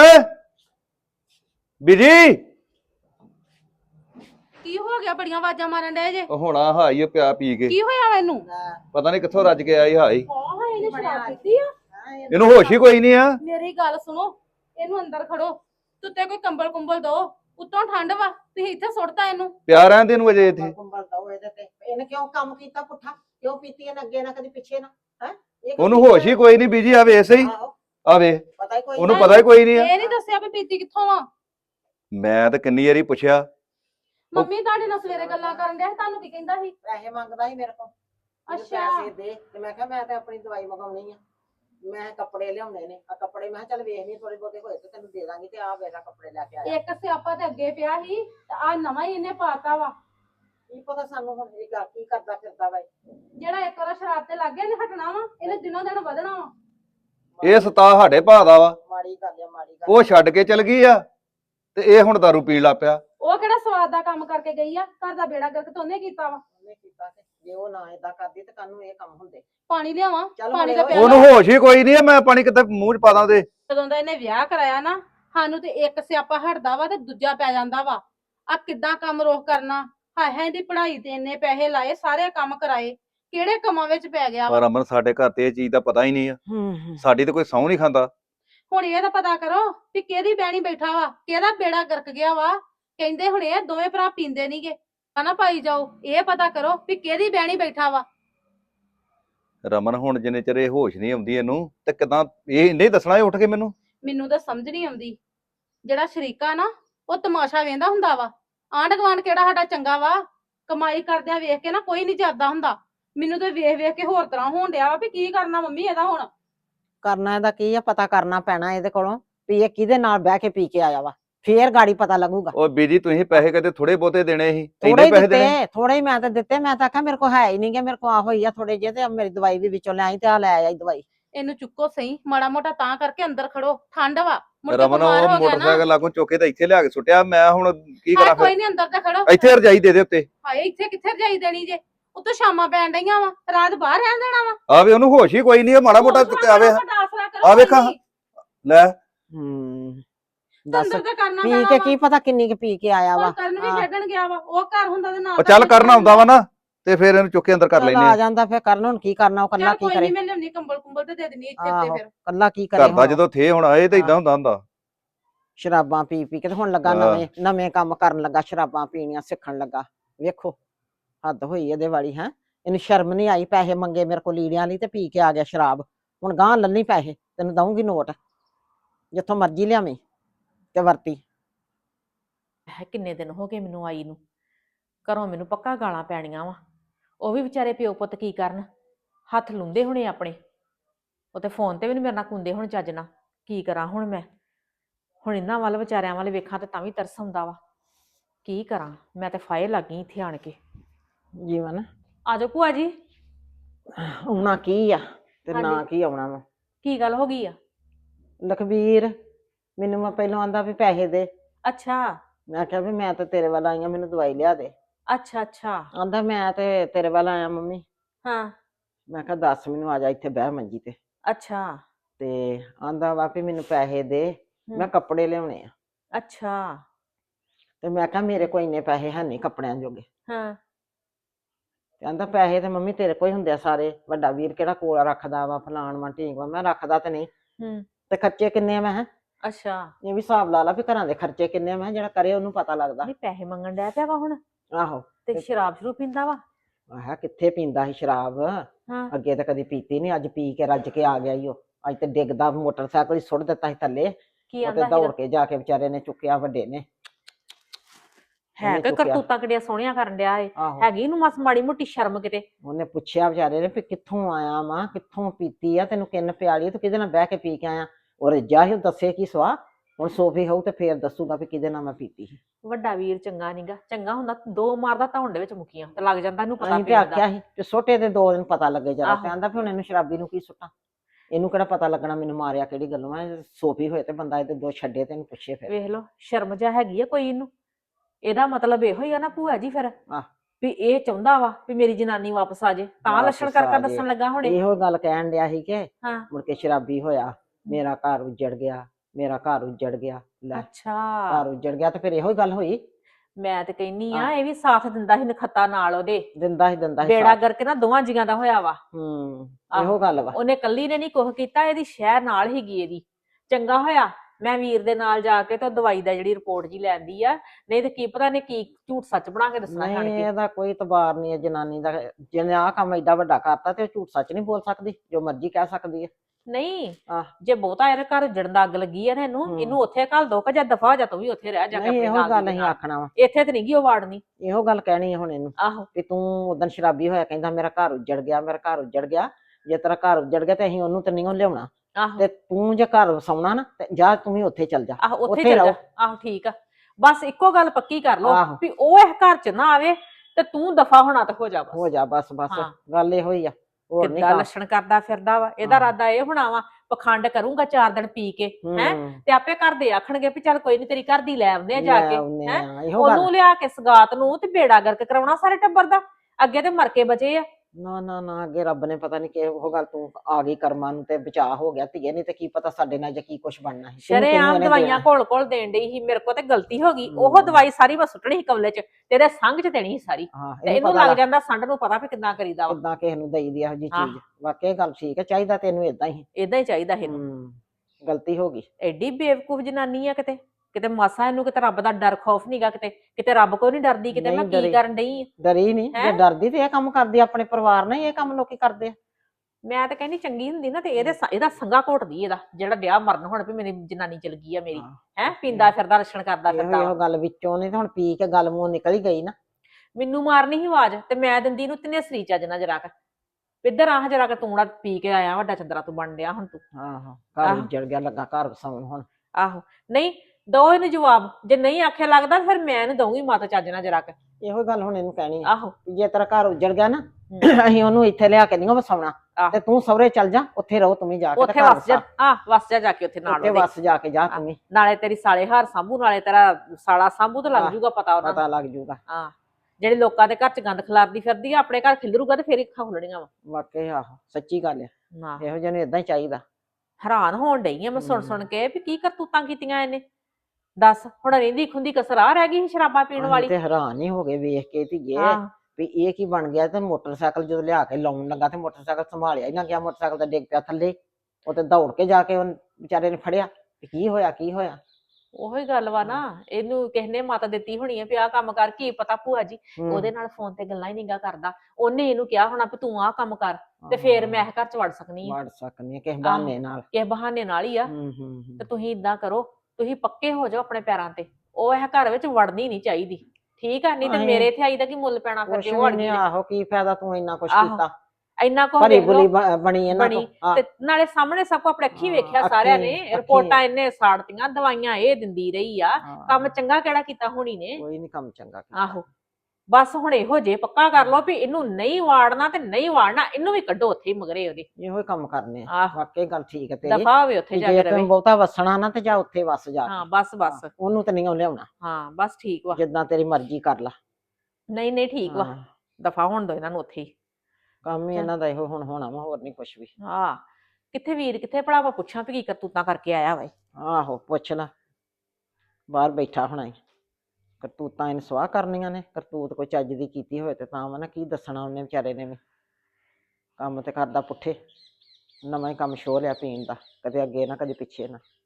Speaker 5: ਬੀਜੀ,
Speaker 6: ਕੀ ਹੋ ਗਿਆ, ਬੜੀਆਂ ਆਵਾਜ਼ਾਂ ਮਾਰਨ ਡਏ ਜੇ?
Speaker 5: ਉਹ ਹੋਣਾ ਹਾਈ ਪਿਆ ਪੀ ਕੇ,
Speaker 6: ਕੀ ਹੋਇਆ ਮੈਨੂੰ?
Speaker 5: ਪਤਾ ਨਹੀਂ ਕਿੱਥੋਂ ਰੱਜ ਕੇ ਆਈ ਹਾਈ।
Speaker 6: ਹਾਂ ਇਹਨੇ ਸ਼ਰਾਬ ਪੀਤੀ ਆ?
Speaker 5: ਇਹਨੂੰ ਹੋਸ਼ ਹੀ ਕੋਈ ਨਹੀਂ ਆ।
Speaker 6: ਮੇਰੀ ਗੱਲ ਸੁਣੋ, ਇਹਨੂੰ ਅੰਦਰ ਖੜੋ, ਤੁੱਤੇ ਕੋਈ ਕੰਬਲ ਕੁੰਬਲ ਦੋ, ਉੱਤੋਂ ਠੰਡ ਵਾ, ਤੁਸੀਂ ਇੱਥੇ ਸੁੱਟਤਾ ਇਹਨੂੰ।
Speaker 5: ਪਿਆ ਰਹਿੰਦੇ ਨੂੰ ਅਜੇ ਇੱਥੇ।
Speaker 4: ਕੰਬਲ ਦਓ ਇਹਦੇ ਤੇ, ਇਹਨੇ ਕਿਉਂ ਕੰਮ ਕੀਤਾ ਪੁੱਠਾ, ਕਿਉਂ ਪੀਤੀ ਇਹਨੇ ਅੱਗੇ ਨਾ ਕਦੀ ਪਿੱਛੇ ਨਾ, ਹੈ?
Speaker 5: ਉਹਨੂੰ ਹੋਸ਼ ਹੀ ਕੋਈ ਨਹੀਂ ਬੀਜੀ, ਆ ਵੇਖ ਸਹੀ, ਆ ਵੇ,
Speaker 4: ਪਤਾ ਹੀ ਕੋਈ
Speaker 5: ਉਹਨੂੰ ਪਤਾ ਹੀ ਕੋਈ ਨਹੀਂ ਆ।
Speaker 6: ਇਹ ਨਹੀਂ ਦੱਸਿਆ ਵੀ ਪੀਤੀ ਕਿੱਥੋਂ ਆ।
Speaker 5: ਮੈਂ ਤਾਂ ਕਿੰਨੀ ਵਾਰੀ ਪੁੱਛਿਆ।
Speaker 6: ਮੰਮੀ ਤੁਹਾਡੇ ਨਾਲ ਸਵੇਰੇ ਗੱਲਾਂ ਕਰਨ ਡਿਆ ਸੀ, ਤੁਹਾਨੂੰ ਕੀ ਕਹਿੰਦਾ ਸੀ?
Speaker 4: ਪੈਸੇ ਮੰਗਦਾ ਸੀ ਮੇਰੇ ਕੋਲ,
Speaker 6: ਅੱਛਾ।
Speaker 4: ਪੈਸੇ ਦੇ, ਤੇ ਮੈਂ ਕਿਹਾ ਮੈਂ ਤੇ ਆਪਣੀ ਦਵਾਈ ਮੰਗਾਉਣੀ ਆ, ਮੈਂ ਕੱਪੜੇ ਲਿਆਉਣੇ ਨੇ, ਆ ਕੱਪੜੇ ਮੈਂ ਕਿਹਾ ਚੱਲ ਵੇਖਨੀ ਥੋੜੇ ਬਹੁਤੇ ਹੋਏ ਤੇ ਤੈਨੂੰ ਦੇ ਦਾਂਗੀ, ਤੇ ਆ ਵੇਲਾ ਕੱਪੜੇ ਲੈ ਕੇ ਆਇਆ।
Speaker 6: ਇੱਕ ਸਿਆਪਾ ਤੇ ਅੱਗੇ ਪਿਆ ਸੀ, ਤੇ ਆ ਨਵਾਂ ਹੀ ਇਹਨੇ ਪਾਤਾ ਵਾ।
Speaker 4: ਕੀ ਪਤਾ ਸਾਨੂੰ ਹੁਣ ਇਹ ਗੱਲ ਕੀ ਕਰਦਾ ਫਿਰਦਾ ਵਾ।
Speaker 6: ਜਿਹੜਾ ਇੱਕ ਵਾਰ ਸ਼ਰਾਬ ਤੇ ਲੱਗ ਗਿਆ ਇਹਨੇ ਹਟਣਾ ਵਾ, ਇਹਨੇ ਦਿਨੋਂ ਦਿਨ ਵਧਣਾ ਵਾ।
Speaker 5: ਇਹ ਸਤਾ ਸਾਡੇ ਭਾ ਦਾ ਵਾ,
Speaker 4: ਮਾੜੀ ਗੱਲ ਆ, ਮਾੜੀ ਗੱਲ।
Speaker 5: ਉਹ ਛੱਡ ਕੇ ਚਲ ਗਈ ਆ, ਤੇ ਇਹ ਹੁਣ ਦਾਰੂ ਪੀਣ ਲੱਗ ਪਿਆ।
Speaker 6: ਉਹ ਕਿਹੜਾ ਸਵਾਦ ਦਾ ਕੰਮ ਕਰਕੇ ਗਈ ਆ, ਘਰ ਦਾ ਬੇੜਾ ਗਰਕ ਤਾਂ ਉਹਨੇ ਕੀਤਾ ਵਾ।
Speaker 4: ਉਹਨੇ ਕੀਤਾ ਤੇ ਜੇ ਉਹ ਨਾ ਏਦਾਂ ਕਰਦੀ ਤੇ ਕੱਲ ਨੂੰ ਇਹ ਕੰਮ ਹੁੰਦੇ।
Speaker 6: ਪਾਣੀ ਲਿਆਵਾਂ?
Speaker 4: ਚੱਲ
Speaker 6: ਪਾਣੀ
Speaker 4: ਹੁਣੇ
Speaker 6: ਦਾ ਪਿਆ
Speaker 5: ਉਹਨੂੰ ਹੋਸ਼ ਹੀ ਕੋਈ ਨਹੀਂ ਆ, ਮੈਂ ਪਾਣੀ ਕਿੱਦਾਂ ਮੂੰਹ 'ਚ ਪਾ ਦਾਂ ਉਹਦੇ।
Speaker 6: ਜਦੋਂ ਦਾ ਇਹਨੇ ਵਿਆਹ ਕਰਾਇਆ ਨਾ, ਸਾਨੂੰ ਤੇ ਇੱਕ ਸਿਆਪਾ ਹਟਦਾ ਵਾ ਤੇ ਦੂਜਾ ਪੈ ਜਾਂਦਾ ਵਾ। ਆ ਕਿੱਦਾਂ ਕੰਮ ਰੋਕ ਕਰਨਾ, ਹਾਏ ਹਾਏ ਦੀ ਪੜ੍ਹਾਈ ਤੇ ਇੰਨੇ ਪੈਸੇ ਲਾਏ, ਸਾਰੇ ਕੰਮ ਕਰਾਏ, ਕਿਹੜੇ ਕੰਮਾਂ ਵਿੱਚ ਪੈ ਗਿਆ ਵਾ।
Speaker 5: ਪਰ ਅਮਨ ਸਾਡੇ ਘਰ ਤੇ ਇਹ ਚੀਜ਼ ਦਾ ਪਤਾ ਹੀ ਨਹੀਂ ਆ, ਸਾਡੀ ਤਾਂ ਕੋਈ ਸਹੁੰ ਨਹੀਂ ਖਾਂਦਾ।
Speaker 6: ਹੁਣ ਇਹ ਤਾਂ ਪਤਾ ਕਰੋ ਵੀ ਕਿਹਦੀ ਬਹਿਣੀ ਬੈਠਾ ਵਾ, ਕਿਹਦਾ ਬੇੜਾ ਗਰਕ ਗਿਆ ਵਾ। ਕਹਿੰਦੇ ਹੁਣ ਇਹ ਦੋਵੇਂ ਭਰਾ ਪੀਂਦੇ ਨਹੀਂਗੇ, ਹਨਾ ਪਾਈ ਜਾਓ। ਇਹ ਪਤਾ ਕਰੋ ਵੀ ਕਿਹਦੀ ਬਹਿਣੀ ਬੈਠਾ ਵਾ।
Speaker 5: ਰਮਨ ਹੁਣ ਜਿੰਨੇ ਚਿਰ ਇਹ ਹੋਸ਼ ਨਹੀਂ ਆਉਂਦੀ ਇਹਨੂੰ ਤੇ ਕਿਦਾਂ ਇਹ ਇੰਨੇ ਹੀ ਦੱਸਣਾ ਇਹ ਉੱਠ ਕੇ ਮੈਨੂੰ।
Speaker 6: ਮੈਨੂੰ ਤਾਂ ਸਮਝ ਨਹੀਂ ਆਉਂਦੀ, ਜਿਹੜਾ ਸ਼ਰੀਕਾ ਨਾ ਉਹ ਤਮਾਸ਼ਾ ਵੇਂਦਾ ਹੁੰਦਾ ਵਾ। ਆਂਢ ਗੁਆਂਢ ਕਿਹੜਾ ਸਾਡਾ ਚੰਗਾ ਵਾ? ਕਮਾਈ ਕਰਦਿਆਂ ਵੇਖ ਕੇ ਨਾ ਕੋਈ ਨਹੀਂ ਜਾਂਦਾ ਹੁੰਦਾ। ਮੈਨੂੰ ਤਾਂ ਵੇਖ ਵੇਖ ਕੇ ਹੋਰ ਤਰ੍ਹਾਂ ਹੋਣ ਡਿਆ ਵਾ ਵੀ ਕੀ ਕਰਨਾ ਮੰਮੀ ਇਹਦਾ ਹੁਣ।
Speaker 4: ਕਰਨਾ ਇਹਦਾ ਕੀ ਆ, ਪਤਾ ਕਰਨਾ ਪੈਣਾ ਇਹਦੇ ਕੋਲੋਂ ਵੀ ਇਹ ਕਿਹਦੇ ਨਾਲ ਬਹਿ ਕੇ ਪੀ ਕੇ ਆਇਆ ਵਾ, ਫੇਰ ਗਾੜੀ ਪਤਾ ਲੱਗੂਗਾ।
Speaker 5: ਉਹ ਬੀਜੀ ਤੁਸੀਂ ਪੈਸੇ ਕਦੇ ਥੋੜੇ ਬਹੁਤੇ ਦੇਣੇ ਸੀ,
Speaker 4: ਥੋੜੇ
Speaker 5: ਇੰਨੇ
Speaker 4: ਹੀ
Speaker 5: ਪੈਸੇ ਦੇਣੇ?
Speaker 4: ਦਿੱਤੇ, ਥੋੜੇ ਹੀ ਮੈਂ ਤਾਂ ਦਿੱਤੇ। ਮੈਂ ਤਾਂ ਆਖਿਆ ਮੇਰੇ ਕੋਲ ਹੈ ਹੀ ਨਹੀਂ ਗੇ, ਮੇਰੇ ਕੋਲ ਆਹੋ ਹੀ ਆ ਥੋੜੇ ਜਿਹੇ, ਤੇ ਮੇਰੀ ਦਵਾਈ ਵੀ ਵਿੱਚੋਂ ਲੈ ਆਈ ਤੇ ਆ ਲੈ ਆਈ ਦਵਾਈ।
Speaker 6: ਇਹਨੂੰ ਚੁੱਕੋ ਸਹੀ, ਮਾੜਾ ਮੋਟਾ ਤਾਂ ਕਰਕੇ ਅੰਦਰ ਖੜੋ, ਠੰਡ ਵਾ, ਮੁੜ ਕੇ
Speaker 5: ਰਮਨ
Speaker 6: ਬਿਮਾਰ
Speaker 5: ਉਹ
Speaker 6: ਹੋ ਗਿਆ ਨਾ।
Speaker 5: ਮੋਟਰਸਾਈਕਲ ਲਾਗੋਂ ਚੁੱਕੇ ਤਾਂ ਇੱਥੇ ਲਿਆ ਕੇ ਸੁੱਟਿਆ, ਮੈਂ ਹੁਣ ਕੀ
Speaker 6: ਹਾਏ
Speaker 5: ਕਰਾਂ
Speaker 6: ਕੋਈ
Speaker 5: ਫਿਰ?
Speaker 6: ਨਹੀਂ, ਅੰਦਰ ਤੇ ਖੜੋ।
Speaker 5: ਇੱਥੇ ਰਜਾਈ ਦੇ ਉੱਤੇ।
Speaker 6: ਹਾਏ ਇੱਥੇ ਕਿੱਥੇ ਰਜਾਈ ਦੇਣੀ ਜੇ? ਉੱਤੋਂ ਸ਼ਾਮਾਂ ਪੈਣ ਡਈਆਂ ਵਾ, ਰਾਤ ਬਾਹਰ ਰਹਿਣ ਦੇਣਾ ਵਾ?
Speaker 5: ਆਵੇ ਉਹਨੂੰ ਹੋਸ਼ ਹੀ ਕੋਈ ਨਹੀਂ, ਮਾੜਾ ਮੋਟਾ ਆਵੇ। ਆ
Speaker 6: ਆ
Speaker 5: ਵੇਖਾਂ। ਲੈ
Speaker 4: ਦੱਸ
Speaker 6: ਅੰਦਰ ਤੇ ਕਰਨਾ
Speaker 4: ਪੀ
Speaker 6: ਪੈਣਾ
Speaker 4: ਕੇ
Speaker 6: ਵਾ।
Speaker 4: ਕੀ ਪਤਾ ਕਿੰਨੀ ਕੁ ਪੀ ਕੇ ਆਇਆ ਵਾ।
Speaker 6: ਹੁਣ ਕਰਨ ਵੀ
Speaker 4: ਹਾਂ।
Speaker 6: ਖੇਡਣ ਗਿਆ ਵਾ, ਉਹ ਘਰ ਹੁੰਦਾ ਤੇ ਨਾਲ
Speaker 5: ਉਹ ਚੱਲ ਕਰਨ ਆਉਂਦਾ ਵਾ ਨਾ ਤੇ ਫਿਰ ਇਹਨੂੰ ਚੁੱਕ ਕੇ ਅੰਦਰ ਕਰ
Speaker 4: ਚੱਲ
Speaker 5: ਲੈਨੇ
Speaker 4: ਆ
Speaker 5: ਆ।
Speaker 4: ਜਾਂਦਾ ਫਿਰ ਕਰਨ, ਹੁਣ ਕੀ ਕਰਨਾ, ਉਹ ਕੱਲਾ
Speaker 6: ਚੱਲ
Speaker 4: ਕੀ
Speaker 6: ਕੋਈ
Speaker 4: ਕਰੇ।
Speaker 6: ਨਹੀਂ, ਮੈਂ ਲਿਆਉਣੀ ਕੰਬਲ ਕੁੰਬਲ ਤੇ ਦੇ ਦਿੰਨੀ ਇੱਥੇ ਉੱਤੇ
Speaker 4: ਆਹੋ
Speaker 6: ਫਿਰ।
Speaker 4: ਕੱਲਾ ਕੀ ਕਰੇ
Speaker 5: ਘਰ ਦਾ
Speaker 4: ਹੁਣ।
Speaker 5: ਜਦੋਂ ਥੇ ਹੁਣ ਆਏ ਤੇ ਇਦਾਂ ਹੁੰਦਾ ਹੁੰਦਾ।
Speaker 4: ਸ਼ਰਾਬਾਂ ਪੀ ਪੀ ਕੇ ਤੇ ਹੁਣ ਲੱਗਾ
Speaker 5: ਹਾਂ।
Speaker 4: ਨਵੇਂ ਕੰਮ ਕਰਨ ਲੱਗਾ, ਸ਼ਰਾਬਾਂ ਪੀਣੀਆਂ ਸਿੱਖਣ ਲੱਗਾ। ਵੇਖੋ ਹੱਦ ਹੋਈ ਇਹਦੇ ਵਾਲੀ ਹੈ। ਇਹਨੂੰ ਸ਼ਰਮ ਨਹੀਂ ਆਈ, ਪੈਸੇ ਮੰਗੇ ਮੇਰੇ ਕੋਲ ਲੀੜਿਆਂ ਲਈ ਤੇ ਪੀ ਕੇ ਆ ਗਿਆ ਸ਼ਰਾਬ। ਹੁਣ ਗਾਂ ਲੱਲੀ ਪੈਸੇ, ਤੈਨੂੰ ਦਊਂਗੀ ਨੋਟ, ਜਿੱਥੋਂ ਮਰਜ਼ੀ ਲਿਆਵੀਂ ਤੇ ਵਰਤੀ।
Speaker 7: ਕਿੰਨੇ ਦਿਨ ਹੋ ਗਏ ਮੈਨੂੰ ਆਈ ਨੂੰ, ਘਰੋਂ ਮੈਨੂੰ ਪੱਕਾ ਗਾਲਾਂ ਪੈਣੀਆਂ ਵਾ। ਉਹ ਵੀ ਵਿਚਾਰੇ ਪਿਓ ਪੁੱਤ ਕੀ ਕਰਨ, ਹੱਥ ਲੁੰਦੇ ਹੋਣੇ ਆਪਣੇ। ਉਹ ਤੇ ਫੋਨ ਤੇ ਵੀ ਨੀ ਮੇਰੇ ਨਾਲ ਕੁੰਦੇ ਹੁਣ ਚੱਜ ਨਾਲ। ਕੀ ਕਰਾਂ ਹੁਣ ਮੈਂ? ਹੁਣ ਇਹਨਾਂ ਵੱਲ ਵਿਚਾਰਿਆਂ ਵੱਲ ਵੇਖਾਂ ਤੇ ਤਾਂ ਵੀ ਤਰਸ ਆਉਂਦਾ ਵਾ। ਕੀ ਕਰਾਂ ਮੈਂ? ਤੇ ਫਾਇਰ ਲੱਗ ਗਈ ਇੱਥੇ ਆਣ ਕੇ।
Speaker 4: ਜੀਵਨ
Speaker 7: ਆ ਜਾਓ ਭੂਆ ਜੀ।
Speaker 4: ਆਉਣਾ ਕੀ ਆ ਤੇ ਨਾ
Speaker 7: ਹਾਂਜੀ।
Speaker 4: ਕੀ ਆਉਣਾ ਵਾ।
Speaker 7: ਕੀ ਗੱਲ ਹੋ ਗਈ ਆ?
Speaker 4: ਲਖਬੀਰ ਮੈਨੂੰ ਮੈਂ ਪਹਿਲਾਂ ਆਂਦਾ ਵੀ ਪੈਸੇ ਦੇ।
Speaker 7: ਅੱਛਾ
Speaker 4: ਮੈਂ ਕਿਹਾ ਵੀ ਮੈਂ ਤਾਂ ਤੇਰੇ ਵੱਲ ਆਈ ਆ, ਮੈਨੂੰ ਦਵਾਈ ਲਿਆ ਦੇ।
Speaker 7: ਅੱਛਾ ਅੱਛਾ।
Speaker 4: ਆਂਦਾ ਮੈਂ ਤੇ ਤੇਰੇ ਵੱਲ ਆਇਆ ਮੰਮੀ।
Speaker 7: ਹਾਂ
Speaker 4: ਮੈਂ ਕਿਹਾ ਦੱਸ ਮੈਨੂੰ, ਆ ਜਾ ਇੱਥੇ ਬਹਿ ਮੰਜੀ ਤੇ।
Speaker 7: ਅੱਛਾ
Speaker 4: ਤੇ ਆਂਦਾ ਵਾ ਵੀ ਮੈਨੂੰ ਪੈਸੇ ਦੇ, ਮੈਂ ਕੱਪੜੇ ਲਿਆਉਣੇ ਆ।
Speaker 7: ਅੱਛਾ।
Speaker 4: ਤੇ ਮੈਂ ਕਿਹਾ ਮੇਰੇ ਕੋਲ ਇੰਨੇ ਪੈਸੇ ਹੈ ਨਹੀਂ ਕੱਪੜਿਆਂ ਜੋਗੇ।
Speaker 7: ਹਾਂ
Speaker 4: ਤੇ ਆਂਦਾ ਪੈਸੇ ਤੇ ਮੰਮੀ ਤੇਰੇ ਕੋਲ ਹੀ ਹੁੰਦੇ ਆ ਸਾਰੇ, ਵੱਡਾ ਵੀਰ ਕਿਹੜਾ ਕੋਲ ਰੱਖਦਾ ਵਾ, ਫਲਾਣ ਵਾ ਢੀਂਗ ਵਾ। ਮੈਂ ਰੱਖਦਾ ਤੇ ਨਹੀਂ।
Speaker 7: ਹੂੰ
Speaker 4: ਤੇ ਖਰਚੇ ਕਿੰਨੇ ਆ? ਮੈਂ ਕਿਹਾ
Speaker 7: ਅੱਛਾ।
Speaker 4: ਇਹ ਵੀ ਹਿਸਾਬ ਲਾ ਲਾ ਵੀ ਘਰਾਂ ਦੇ ਖਰਚੇ ਕਿੰਨੇ ਆ। ਮੈਂ ਕਿਹਾ ਜਿਹੜਾ ਕਰੇ ਉਹਨੂੰ ਪਤਾ ਲੱਗਦਾ।
Speaker 7: ਨਹੀਂ ਪੈਸੇ ਮੰਗਣ ਡਿਆ ਪਿਆ ਵਾ ਹੁਣ,
Speaker 4: ਆਹੋ
Speaker 7: ਤੇ ਸ਼ਰਾਬ ਸ਼ੁਰੂ ਪੀਂਦਾ ਵਾ?
Speaker 4: ਮੈਂ ਕਿਹਾ ਕਿੱਥੇ ਪੀਂਦਾ ਸੀ ਸ਼ਰਾਬ,
Speaker 7: ਹਾਂ
Speaker 4: ਅੱਗੇ ਤਾਂ ਕਦੀ ਪੀਤੀ ਨਹੀਂ, ਅੱਜ ਪੀ ਕੇ ਰੱਜ ਕੇ ਆ ਗਿਆ ਈ ਉਹ। ਅੱਜ ਤੇ ਡਿੱਗਦਾ ਮੋਟਰਸਾਈਕਲ ਹੀ ਸੁੱਟ ਦਿੱਤਾ ਸੀ ਥੱਲੇ।
Speaker 7: ਕੀ
Speaker 4: ਉਹ ਤੇ
Speaker 7: ਆਂਦਾ
Speaker 4: ਦੌੜ
Speaker 7: ਸੀਗਾ?
Speaker 4: ਕੇ ਜਾ ਕੇ ਵਿਚਾਰੇ ਨੇ ਚੁੱਕਿਆ, ਵੱਡੇ ਨੇ।
Speaker 7: ਹੈ
Speaker 4: ਉਹਨੇ
Speaker 7: ਕਿ
Speaker 4: ਚੁੱਕਿਆ।
Speaker 7: ਕਰਤੂਤਾਂ ਕਿਹੜੀਆਂ ਸੋਹਣੀਆਂ ਕਰਨ ਡਿਆ ਏ।
Speaker 4: ਆਹੋ
Speaker 7: ਹੈਗੀ ਨੂੰ ਮਸ ਮਾੜੀ ਮੋਟੀ ਸ਼ਰਮ ਕਿਤੇ।
Speaker 4: ਉਹਨੇ ਪੁੱਛਿਆ ਵਿਚਾਰੇ ਨੇ ਵੀ ਕਿੱਥੋਂ ਆਇਆ ਵਾ, ਕਿੱਥੋਂ ਪੀਤੀ ਆ, ਤੈਨੂੰ ਕਿੰਨ ਪਿਆਲੀ, ਤੂੰ ਕਿਹਦੇ ਨਾਲ ਬਹਿ ਕੇ ਪੀ ਕੇ ਆਇਆ? ਉਹ ਰੱਜਾ ਸੀ, ਉਹ ਦੱਸੇ ਕੀ ਸਵਾ। ਹੁਣ ਸੋਫੀ ਹੋਊ ਤੇ ਫੇਰ ਦੱਸੂਗਾ ਵੀ ਕਿਹਦੇ ਨਾਲ ਮੈਂ ਪੀਤੀ ਸੀ।
Speaker 7: ਵੱਡਾ ਵੀਰ ਚੰਗਾ ਨੀਗਾ, ਚੰਗਾ ਹੁੰਦਾ ਦੋ ਮਾਰਦਾ ਧੌਣ ਦੇ ਵਿੱਚ ਮੁੱਕੀਆਂ ਤੇ ਲੱਗ ਜਾਂਦਾ ਇਹਨੂੰ ਪਤਾ
Speaker 4: ਅਸੀਂ ਤੇ
Speaker 7: ਪੀਣ ਦਾ।
Speaker 4: ਆਖਿਆ ਸੀ ਤੇ ਛੋਟੇ ਦੇ 2 ਦਿਨ ਪਤਾ ਲੱਗੇ ਜਰਾ।
Speaker 7: ਆਹੋ।
Speaker 4: ਕਹਿੰਦਾ ਵੀ ਹੁਣ ਇਹਨੂੰ ਸ਼ਰਾਬੀ ਨੂੰ ਕੀ ਸੁੱਟਾਂ, ਇਹਨੂੰ ਕਿਹੜਾ ਪਤਾ ਲੱਗਣਾ ਮੈਨੂੰ ਮਾਰਿਆ ਕਿਹੜੀ ਗੱਲੋਂ ਆ। ਸੋਫੀ ਹੋਏ ਤੇ ਬੰਦਾ ਇਹਦੇ 2 ਛੱਡੇ ਤੇ ਇਹਨੂੰ ਪੁੱਛੇ ਫਿਰ।
Speaker 7: ਵੇਖ ਲਓ ਸ਼ਰਮ ਜਾ ਹੈਗੀ ਆ ਕੋਈ ਇਹਨੂੰ। ਇਹਦਾ ਮਤਲਬ ਇਹੋ ਹੀ ਆ ਨਾ ਭੂਆ ਜੀ ਫਿਰ,
Speaker 4: ਆਹ।
Speaker 7: ਵੀ ਇਹ ਚਾਹੁੰਦਾ ਵਾ ਵੀ ਮੇਰੀ ਜਨਾਨੀ ਵਾਪਸ ਆ ਜੇ, ਤਾਂ
Speaker 4: ਵਾਪਸ
Speaker 7: ਲੱਛਣ ਕਰ
Speaker 4: ਆ
Speaker 7: ਕਰ
Speaker 4: ਜੇ।
Speaker 7: ਦੱਸਣ ਲੱਗਾ ਹੁਣੇ।
Speaker 4: ਇਹੋ ਗੱਲ ਕਹਿਣ ਡਿਆ ਸੀ ਕਿ
Speaker 7: ਹਾਂ
Speaker 4: ਮੁੜ ਕੇ ਸ਼ਰਾਬੀ ਹੋਇਆ, ਮੇਰਾ ਘਰ ਉੱਜੜ ਗਿਆ, ਮੇਰਾ ਘਰ ਉੱਜੜ ਗਿਆ। ਲੈ
Speaker 7: ਅੱਛਾ।
Speaker 4: ਘਰ ਉੱਜੜ ਗਿਆ ਤੇ ਫਿਰ ਇਹੋ ਹੀ ਗੱਲ ਹੋਈ।
Speaker 7: ਮੈਂ ਤੇ ਕਹਿੰਨੀ ਆ
Speaker 4: ਹਾਂ।
Speaker 7: ਇਹ ਵੀ ਸਾਥ ਦਿੰਦਾ ਸੀ ਨਖੱਤਾ ਨਾਲ ਉਹਦੇ।
Speaker 4: ਦਿੰਦਾ ਸੀ
Speaker 7: ਬੇੜਾ
Speaker 4: ਸਾਥ।
Speaker 7: ਕਰਕੇ ਨਾ ਦੋਵਾਂ ਜੀਆਂ ਦਾ ਹੋਇਆ ਵਾ।
Speaker 4: ਇਹੋ
Speaker 7: ਆਹੋ।
Speaker 4: ਗੱਲ ਵਾ।
Speaker 7: ਉਹਨੇ ਕੱਲੀ ਨੇ ਨਹੀਂ ਕੁਝ ਕੀਤਾ, ਇਹਦੀ ਸ਼ਹਿਰ ਨਾਲ ਹੀਗੀ ਇਹਦੀ। ਚੰਗਾ ਹੋਇਆ ਮੈਂ ਵੀਰ ਦੇ ਨਾਲ ਜਾ ਕੇ ਤੇ ਉਹ ਦਵਾਈ ਦਾ ਜਿਹੜੀ ਰਿਪੋਰਟ ਜੀ ਲੈਂਦੀ ਆ, ਨਹੀਂ ਤੇ ਕੀ ਪਤਾ ਨੇ ਕੀ ਝੂਠ ਸੱਚ ਬਣਾ ਕੇ ਦੱਸਣਾ ਛੱਡ
Speaker 4: ਨਹੀਂ
Speaker 7: ਕੇ।
Speaker 4: ਇਹਦਾ ਕੋਈ ਤਬਾਰ ਨਹੀਂ ਹੈ ਜਨਾਨੀ ਦਾ। ਜਿਹਨੇ ਆਹ ਕੰਮ ਏਡਾ ਵੱਡਾ ਕਰਤਾ ਤੇ ਉਹ ਝੂਠ ਸੱਚ ਨਹੀਂ ਬੋਲ ਸਕਦੀ, ਜੋ ਮਰਜ਼ੀ ਕਹਿ ਸਕਦੀ ਹੈ।
Speaker 7: ਨਹੀਂ
Speaker 4: ਆਹ।
Speaker 7: ਜੇ ਬਹੁਤਾ ਇਹਦੇ ਘਰ ਜੜਨ ਦਾ ਅੱਗ ਲੱਗੀ ਆ ਨਾ
Speaker 4: ਹੂੰ।
Speaker 7: ਇਹਨੂੰ ਉੱਥੇ ਘੱਲ ਦੋ ਕਿ ਜਾਂ ਦਫਾ ਹੋ ਜਾ ਤੂੰ ਵੀ ਉੱਥੇ ਰਹਿ ਜਾ ਕੇ
Speaker 4: ਨਹੀਂ
Speaker 7: ਆਪਣੇ
Speaker 4: ਇਹੋ
Speaker 7: ਨਾਲ
Speaker 4: ਗੱਲ
Speaker 7: ਦੀ
Speaker 4: ਅਸੀਂ
Speaker 7: ਨਾਲ।
Speaker 4: ਆਖਣਾ ਵਾ,
Speaker 7: ਇੱਥੇ ਤੇ ਨਹੀਂ ਗੀ ਉਹ ਵਾੜਨੀ।
Speaker 4: ਇਹੋ ਗੱਲ ਕਹਿਣੀ ਹੈ ਹੁਣ ਇਹਨੂੰ
Speaker 7: ਆਹੋ
Speaker 4: ਵੀ ਤੂੰ ਉਦਣ ਸ਼ਰਾਬੀ ਹੋਇਆ ਕਹਿੰਦਾ ਮੇਰਾ ਘਰ ਉੱਜੜ ਗਿਆ, ਮੇਰਾ ਘਰ ਉੱਜੜ ਗਿਆ। ਜੇ ਤੇਰਾ ਘਰ ਉੱਜੜ ਗਿਆ ਤੇ ਅਸੀਂ ਉਹਨੂੰ ਤੇ ਨਹੀਂ ਉਹ ਲਿਆਉਣਾ।
Speaker 7: ਆਹੋ
Speaker 4: ਤੇ ਤੂੰ ਜੇ ਘਰ ਵਸਾਉਣਾ ਨਾ ਤੇ ਜਾ ਤੂੰ ਵੀ ਉੱਥੇ ਚੱਲ ਜਾ।
Speaker 7: ਆਹੋ ਉੱਥੇ
Speaker 4: ਉੱਥੇ
Speaker 7: ਚੱਲ ਜਾ।
Speaker 4: ਰਹੋ।
Speaker 7: ਆਹੋ ਠੀਕ ਆ, ਬਸ ਇੱਕੋ ਗੱਲ ਪੱਕੀ ਕਰ ਲੋ
Speaker 4: ਆਹੋ।
Speaker 7: ਵੀ ਉਹ ਇਸ ਘਰ ਚ ਨਾ ਆਵੇ ਤੇ ਤੂੰ ਦਫਾ ਹੋਣਾ ਤੇ ਹੋ ਜਾ ਬਸ।
Speaker 4: ਹੋ ਜਾ ਬਸ ਬਸ,
Speaker 7: ਹਾਂ।
Speaker 4: ਗੱਲ ਇਹੋ ਹੀ ਆ, ਹੋਰ ਨਹੀਂ
Speaker 7: ਕਿੱਦਾਂ ਲੱਛਣ ਕਰਦਾ ਫਿਰਦਾ ਵਾ। ਇਹਦਾ
Speaker 4: ਹਾਂ।
Speaker 7: ਇਰਾਦਾ ਇਹ ਹੋਣਾ ਵਾ ਪਖੰਡ ਕਰੂੰਗਾ 4 ਦਿਨ ਪੀ ਕੇ ਹੈ, ਤੇ ਆਪੇ ਘਰ ਦੇ ਆਖਣਗੇ ਵੀ ਚੱਲ ਕੋਈ ਨੀ ਤੇਰੀ ਘਰ ਦੀ ਲੈ ਆਉਂਦੇ ਆ ਜਾ ਕੇ। ਹੈਂ?
Speaker 4: ਇਹੋ ਗੱਲ।
Speaker 7: ਉਹਨੂੰ ਲਿਆ ਕੇ ਸਗਾਤ ਨੂੰ ਤੇ ਬੇੜਾ ਗਰਕ ਕਰਾਉਣਾ ਸਾਰੇ ਟੱਬਰ ਦਾ। ਅੱਗੇ ਤੇ ਮਰ ਕੇ ਬਚੇ ਆ।
Speaker 4: ਨਾ ਨਾ ਨਾ, ਅੱਗੇ ਰੱਬ ਨੇ ਪਤਾ ਨਹੀਂ ਕਿ ਉਹ ਗੱਲ ਤੂੰ ਆ ਗਈ ਕਰਮਾਂ ਨੂੰ ਤੇ ਬਚਾਅ ਹੋ ਗਿਆ ਧੀਏ, ਨਹੀਂ ਤੇ ਕੀ ਪਤਾ ਸਾਡੇ ਨਾਲ ਜਾਂ ਕੀ ਕੁਛ ਬਣਨਾ ਸੀ। ਤੈਨੂੰ
Speaker 7: ਸ਼ਰੇਆਮ
Speaker 4: ਇਹਨੇ
Speaker 7: ਦਵਾਈਆਂ
Speaker 4: ਦੇਣਾ।
Speaker 7: ਘੋਲ ਘੋਲ ਦੇਣ ਡਈ ਸੀ, ਮੇਰੇ ਕੋ ਤੇ ਗਲਤੀ ਹੋ ਗਈ। ਉਹ
Speaker 4: ਹੂੰ।
Speaker 7: ਦਵਾਈ ਸਾਰੀ ਮੈਂ ਸੁੱਟਣੀ ਸੀ ਕਮਲੇ ਚ ਤੇ ਇਹਦੇ ਸੰਗ ਚ ਦੇਣੀ ਸੀ ਸਾਰੀ।
Speaker 4: ਹਾਂ
Speaker 7: ਤੇ ਇਹਨੂੰ
Speaker 4: ਪਤਾ
Speaker 7: ਲੱਗ ਜਾਂਦਾ ਸੰਡ ਨੂੰ ਪਤਾ ਵੀ ਕਿੱਦਾਂ ਕਰੀਦਾ ਵਾ।
Speaker 4: ਕਿੱਦਾਂ ਕਿਸੇ ਨੂੰ ਦਈਦੀ ਇਹੋ ਜੀ
Speaker 7: ਹਾਂ।
Speaker 4: ਚੀਜ਼। ਵਾਕਈ ਇਹ ਗੱਲ ਠੀਕ ਹੈ, ਚਾਹੀਦਾ ਤੈਨੂੰ ਇਦਾਂ ਹੀ।
Speaker 7: ਏਦਾਂ ਹੀ ਚਾਹੀਦਾ ਇਹਨੂੰ।
Speaker 4: ਗਲਤੀ ਹੋ ਗਈ।
Speaker 7: ਐਡੀ ਬੇਵਕੂਫ ਜਨਾਨੀ ਆ ਕਿਤੇ, ਕਿਤੇ ਮਾਸਾ ਇਹਨੂੰ ਕਿਤੇ ਰੱਬ ਦਾ ਡਰ ਖੌਫ ਨਹੀਂਗਾ, ਕਿਤੇ ਰੱਬ ਕੋ ਨਹੀਂ ਡਰਦੀ, ਕਿਤੇ ਮੈਂ
Speaker 4: ਨਹੀਂ
Speaker 7: ਕੀ
Speaker 4: ਡਰੀ।
Speaker 7: ਕਰਨ ਡਈ ਆ।
Speaker 4: ਡਰੀ ਨਹੀਂ, ਜੇ
Speaker 7: ਹੈਂ?
Speaker 4: ਡਰਦੀ ਤੇ ਇਹ ਕੰਮ ਕਰਦੀ ਆਪਣੇ ਪਰਿਵਾਰ ਨਾਲ ਹੀ ਇਹ ਕੰਮ ਲੋਕੀ ਕਰਦੇ ਆ।
Speaker 7: ਮੈਂ ਤਾਂ ਕਹਿੰਦੀ ਚੰਗੀ ਹੁੰਦੀ ਨਾ ਤੇ ਇਹਦਾ ਸੰਗਾ ਘੋਟਦੀ ਇਹਦਾ ਜਿਹੜਾ ਡਿਆ ਮਰਨ ਹੁਣ ਵੀ ਮੇਰੀ ਜਨਾਨੀ ਚਲ ਗਈ ਆ ਮੇਰੀ
Speaker 4: ਹਾਂ।
Speaker 7: ਹੈ ਪੀਂਦਾ ਫਿਰਦਾ ਲੱਛਣ ਕਰਦਾ
Speaker 4: ਇਹੋ
Speaker 7: ਫਿਰਦਾ
Speaker 4: ਇਹੋ ਗੱਲ ਵਿੱਚੋਂ ਨਹੀਂ ਤੇ ਹੁਣ ਪੀ ਕੇ ਗੱਲ ਮੂੰਹ ਨਿਕਲ ਹੀ ਗਈ ਨਾ।
Speaker 7: ਮੈਨੂੰ ਮਾਰਨੀ ਸੀ ਆਵਾਜ਼ ਤੇ ਮੈਂ ਦਿੰਦੀ ਨੂੰ ਤਿੰਨੇ ਸਰੀ ਚੱਜ ਨਾ ਜਰਾ ਕਰ ਇੱਧਰ ਆਹ ਜਰਾ ਕਰ ਤੂੰ ਪੀ ਕੇ ਆਇਆ ਵੱਡਾ ਚੰਦਰਾ ਤੂੰ ਬਣ ਡਿਆ ਹੁਣ ਤੂੰ
Speaker 4: ਆਹੋ ਘਰ
Speaker 7: ਆਹੋ।
Speaker 4: ਉੱਜੜ ਗਿਆ, ਲੱਗਾ ਘਰ ਵਸਾਉਣ ਹੁਣ।
Speaker 7: ਆਹੋ ਨਹੀਂ ਦੋ ਇਹਨੂੰ ਜਵਾਬ ਜੇ ਨਹੀਂ ਆਖਿਆ ਲੱਗਦਾ ਫਿਰ ਮੈਂ ਇਹਨੂੰ ਦਊਂਗੀ ਮਾਤਾ ਚੱਜ ਨਾਲ ਜਰਾ ਕਰ
Speaker 4: ਇਹੋ ਗੱਲ ਹੁਣ ਇਹਨੂੰ ਕਹਿਣੀ ਆ
Speaker 7: ਆਹੋ
Speaker 4: ਵੀ ਜੇ ਤੇਰਾ ਘਰ ਉੱਜੜ ਗਿਆ ਨਾ ਅਸੀਂ ਉਹਨੂੰ ਇੱਥੇ ਲਿਆ ਕੇ ਨਹੀਂ ਵਸਾਉਣਾ
Speaker 7: ਆਹੋ।
Speaker 4: ਤੇ ਤੂੰ ਸਹੁਰੇ ਚੱਲ ਜਾ, ਉੱਥੇ ਰਹੋ ਤੁਸੀਂ ਜਾ ਕੇ ਤੇ
Speaker 7: ਉੱਥੇ
Speaker 4: ਘਰ
Speaker 7: ਵਸ ਜਾ ਵਸ ਜਾ ਕੇ ਉੱਥੇ ਨਾਲ
Speaker 4: ਉੱਥੇ
Speaker 7: ਉਹਦੇ।
Speaker 4: ਵਸ ਜਾ ਕੇ ਜਾ ਤੁਸੀਂ,
Speaker 7: ਨਾਲੇ ਤੇਰੀ ਸਾਲੇ ਹਾਰ ਸਾਂਭੂ ਨਾਲੇ ਤੇਰਾ ਸਾਲਾ ਸਾਂਭੂ ਤੇ ਲੱਗ
Speaker 4: ਆਹ,
Speaker 7: ਜੂਗਾ ਪਤਾ ਉਹਨਾਂ ਨੂੰ
Speaker 4: ਪਤਾ ਲੱਗ ਜੂਗਾ।
Speaker 7: ਹਾਂ ਜਿਹੜੇ ਲੋਕਾਂ ਦੇ ਘਰ ਚ ਗੰਦ ਖਿਲਾਰਦੀ ਫਿਰਦੀ ਆ ਆਪਣੇ ਘਰ ਖਿਲਰੂਗਾ ਤੇ ਫੇਰ ਹੀ ਖੁੱਲਣੀਆਂ ਵਾ
Speaker 4: ਵਾਕਈ ਆਹੋ ਸੱਚੀ ਗੱਲ ਆ,
Speaker 7: ਨਾ
Speaker 4: ਇਹੋ ਜਿਹੇ ਨੂੰ ਇਦਾਂ ਹੀ ਚਾਹੀਦਾ।
Speaker 7: ਹੈਰਾਨ ਹੋਣ ਡਈ ਆ ਮੈਂ ਸੁਣ ਕੇ ਵੀ ਕੀ ਕਰਤੂਤਾਂ ਕੀਤੀਆਂ ਇਹਨੇ ਦੱਸ ਹੁਣ ਰਹਿੰਦੀ ਖੁੰਦੀ ਕਸਰ ਆ ਰਹਿ ਗਈ ਸੀ ਸ਼ਰਾਬਾਂ ਪੀਣ
Speaker 4: ਅਸੀਂ
Speaker 7: ਵਾਲੀ
Speaker 4: ਤੇ ਹੈਰਾਨ ਹੀ ਹੋ ਗਏ ਵੇਖ ਕੇ ਧੀਏ
Speaker 7: ਆਹ
Speaker 4: ਵੀ ਇਹ ਕੀ ਬਣ ਗਿਆ। ਤੇ ਮੋਟਰਸਾਈਕਲ ਜਦੋਂ ਲਿਆ ਕੇ ਲਾਉਣ ਲੱਗਾ ਤੇ ਮੋਟਰਸਾਈਕਲ ਸੰਭਾਲਿਆ ਹੀ ਨਾ ਗਿਆ, ਮੋਟਰਸਾਈਕਲ ਤਾਂ ਡਿੱਗ ਪਿਆ ਥੱਲੇ। ਉਹ ਤੇ ਦੌੜ ਕੇ ਜਾ ਕੇ ਉਹ ਵਿਚਾਰੇ ਨੇ ਫੜਿਆ ਵੀ ਕੀ ਹੋਇਆ ਕੀ ਹੋਇਆ।
Speaker 7: ਉਹੀ ਗੱਲ ਵਾ ਨਾ ਇਹਨੂੰ ਕਿਸ ਨੇ ਮੱਤ ਦਿੱਤੀ ਹੋਣੀ ਆ ਵੀ ਆਹ ਕੰਮ ਕਰ ਕੀ ਪਤਾ ਭੂਆ ਜੀ
Speaker 4: ਹੂੰ।
Speaker 7: ਉਹਦੇ ਨਾਲ ਫੋਨ ਤੇ ਗੱਲਾਂ ਹੀ ਨੀਗਾ ਕਰਦਾ ਉਹਨੇ ਇਹਨੂੰ ਕਿਹਾ ਹੋਣਾ ਵੀ ਤੂੰ ਆਹ ਕੰਮ ਕਰ ਤੇ ਫੇਰ ਮੈਂ ਘਰ ਚ ਵੜ ਸਕਨੀ ਆ
Speaker 4: ਵੜ ਸਕਨੀ ਆ ਕਿਸੇ ਬਹਾਨੇ ਨਾਲ।
Speaker 7: ਕਿਸੇ ਬਹਾਨੇ ਨਾਲ ਹੀ ਆ
Speaker 4: ਹੂੰ।
Speaker 7: ਤੇ ਤੁਸੀਂ ਇਦਾਂ ਕਰੋ ਤੁਸੀਂ ਪੱਕੇ ਹੋ ਜਾਓ ਆਪਣੇ ਪੈਰਾਂ ਤੇ ਉਹ ਇਹ ਘਰ ਵਿੱਚ ਵੜਨੀ ਨਹੀਂ ਚਾਹੀਦੀ ਠੀਕ ਆ ਨਹੀਂ ਤੇ
Speaker 4: ਅਸੀਂ-
Speaker 7: ਮੇਰੇ ਇੱਥੇ ਆਈ ਦਾ ਕੀ ਮੁੱਲ ਪੈਣਾ ਫਿਰ
Speaker 4: ਕੁਛ
Speaker 7: ਜੇ
Speaker 4: ਵੀ
Speaker 7: ਉਹ ਅੜ
Speaker 4: ਨੀ,
Speaker 7: ਗਈ
Speaker 4: ਆਹੋ ਕੀ ਫਾਇਦਾ ਤੂੰ ਇੰਨਾ ਕੁਛ
Speaker 7: ਆਹੋ।
Speaker 4: ਕੀਤਾ।
Speaker 7: ਇੰਨਾ ਕੁ
Speaker 4: ਭਰੀ
Speaker 7: ਵੇਖ ਲਓ
Speaker 4: ਬੁਲੀ ਬਣੀ ਇਹਨਾਂ
Speaker 7: ਬਣੀ
Speaker 4: ਤੋਂ।
Speaker 7: ਤੇ ਨਾਲੇ ਸਾਹਮਣੇ ਸਭ ਕੋ ਆਪਣੇ ਅੱਖੀ
Speaker 4: ਹਾਂ,
Speaker 7: ਵੇਖਿਆ
Speaker 4: ਅੱਖੀਂ-
Speaker 7: ਸਾਰਿਆਂ ਨੇ
Speaker 4: ਅੱਖੀਂ।
Speaker 7: ਰਿਪੋਰਟਾਂ ਇਹਨੇ ਸਾੜਤੀਆਂ ਦਵਾਈਆਂ ਇਹ ਦਿੰਦੀ ਰਹੀ ਆ
Speaker 4: ਹਾਂ,
Speaker 7: ਕੰਮ ਚੰਗਾ ਕਿਹੜਾ ਕੀਤਾ ਹੋਣੀ ਨੇ
Speaker 4: ਕੋਈ ਨਹੀਂ ਕੰਮ ਚੰਗਾ ਕੀਤਾ।
Speaker 7: ਆਹੋ ਬਸ ਹੁਣ ਇਹੋ ਜੇ ਪੱਕਾ ਕਰ ਲਓ ਵੀ ਇਹਨੂੰ ਨਹੀਂ ਵਾੜਨਾ ਤੇ ਨਹੀਂ ਵਾੜਨਾ ਇਹਨੂੰ ਵੀ ਕੱਢੋ ਉੱਥੇ ਹੀ ਮਗਰੇ ਉਹਦੇ
Speaker 4: ਇਹੋ ਹੀ ਕੰਮ ਕਰਨੇ ਆ।
Speaker 7: ਆਹੋ
Speaker 4: ਵਾਕਈ ਗੱਲ ਠੀਕ ਹੈ ਤੇਰੀ।
Speaker 7: ਦਫਾ ਹੋਵੇ ਉੱਥੇ
Speaker 4: ਵੀ
Speaker 7: ਜਾ ਕੇ
Speaker 4: ਜੇ
Speaker 7: ਰਵੇ
Speaker 4: ਤੈਨੂੰ ਬਹੁਤਾ ਵਸਣਾ ਨਾ ਤੇ ਜਾ ਉੱਥੇ ਵਸ ਜਾ ਕੇ।
Speaker 7: ਹਾਂ ਬਸ ਬਸ
Speaker 4: ਉਹਨੂੰ ਤੇ ਨਹੀਂ ਲਿਆਉਣਾ,
Speaker 7: ਹਾਂ ਬਸ ਠੀਕ ਵਾ
Speaker 4: ਜਿੱਦਾਂ ਤੇਰੀ ਮਰਜ਼ੀ ਕਰ ਲਾ।
Speaker 7: ਨਹੀਂ ਨਹੀਂ ਠੀਕ ਵਾ
Speaker 4: ਹਾਂ,
Speaker 7: ਦਫਾ ਹੋਣ ਦੋ ਇਹਨਾਂ ਨੂੰ ਉੱਥੇ ਹੀ
Speaker 4: ਕੰਮ ਹੀ ਇਹਨਾਂ ਦਾ ਇਹੋ ਹੁਣ ਹੋਣਾ ਵਾ, ਹੋਰ ਨਹੀਂ ਕੁਛ ਵੀ।
Speaker 7: ਹਾਂ ਕਿੱਥੇ ਵੀਰ ਕਿੱਥੇ ਭਲਾ ਮੈਂ ਪੁੱਛਾਂ ਵੀ ਕੀ ਕਰਤੂਤਾਂ ਕਰਕੇ ਆਇਆ ਵਾ ਇਹ?
Speaker 4: ਆਹੋ ਪੁੱਛ ਲੈ, ਬਾਹਰ ਬੈਠਾ ਹੋਣਾ ਈ। ਕਰਤੂਤਾਂ ਇਹਨੇ ਸਵਾਹ ਕਰਨੀਆਂ ਨੇ, ਕਰਤੂਤ ਕੋਈ ਚੱਜ ਦੀ ਕੀਤੀ ਹੋਵੇ ਤੇ ਤਾਂ ਵਾ ਨਾ, ਕੀ ਦੱਸਣਾ ਉਹਨੇ ਵਿਚਾਰੇ ਨੇ ਵੀ। ਕੰਮ ਤੇ ਕਰਦਾ ਪੁੱਠੇ, ਨਵਾਂ ਹੀ ਕੰਮ ਸ਼ੋਹ ਲਿਆ ਪੀਣ ਦਾ, ਕਦੇ ਅੱਗੇ ਨਾ ਕਦੇ ਪਿੱਛੇ ਨਾ।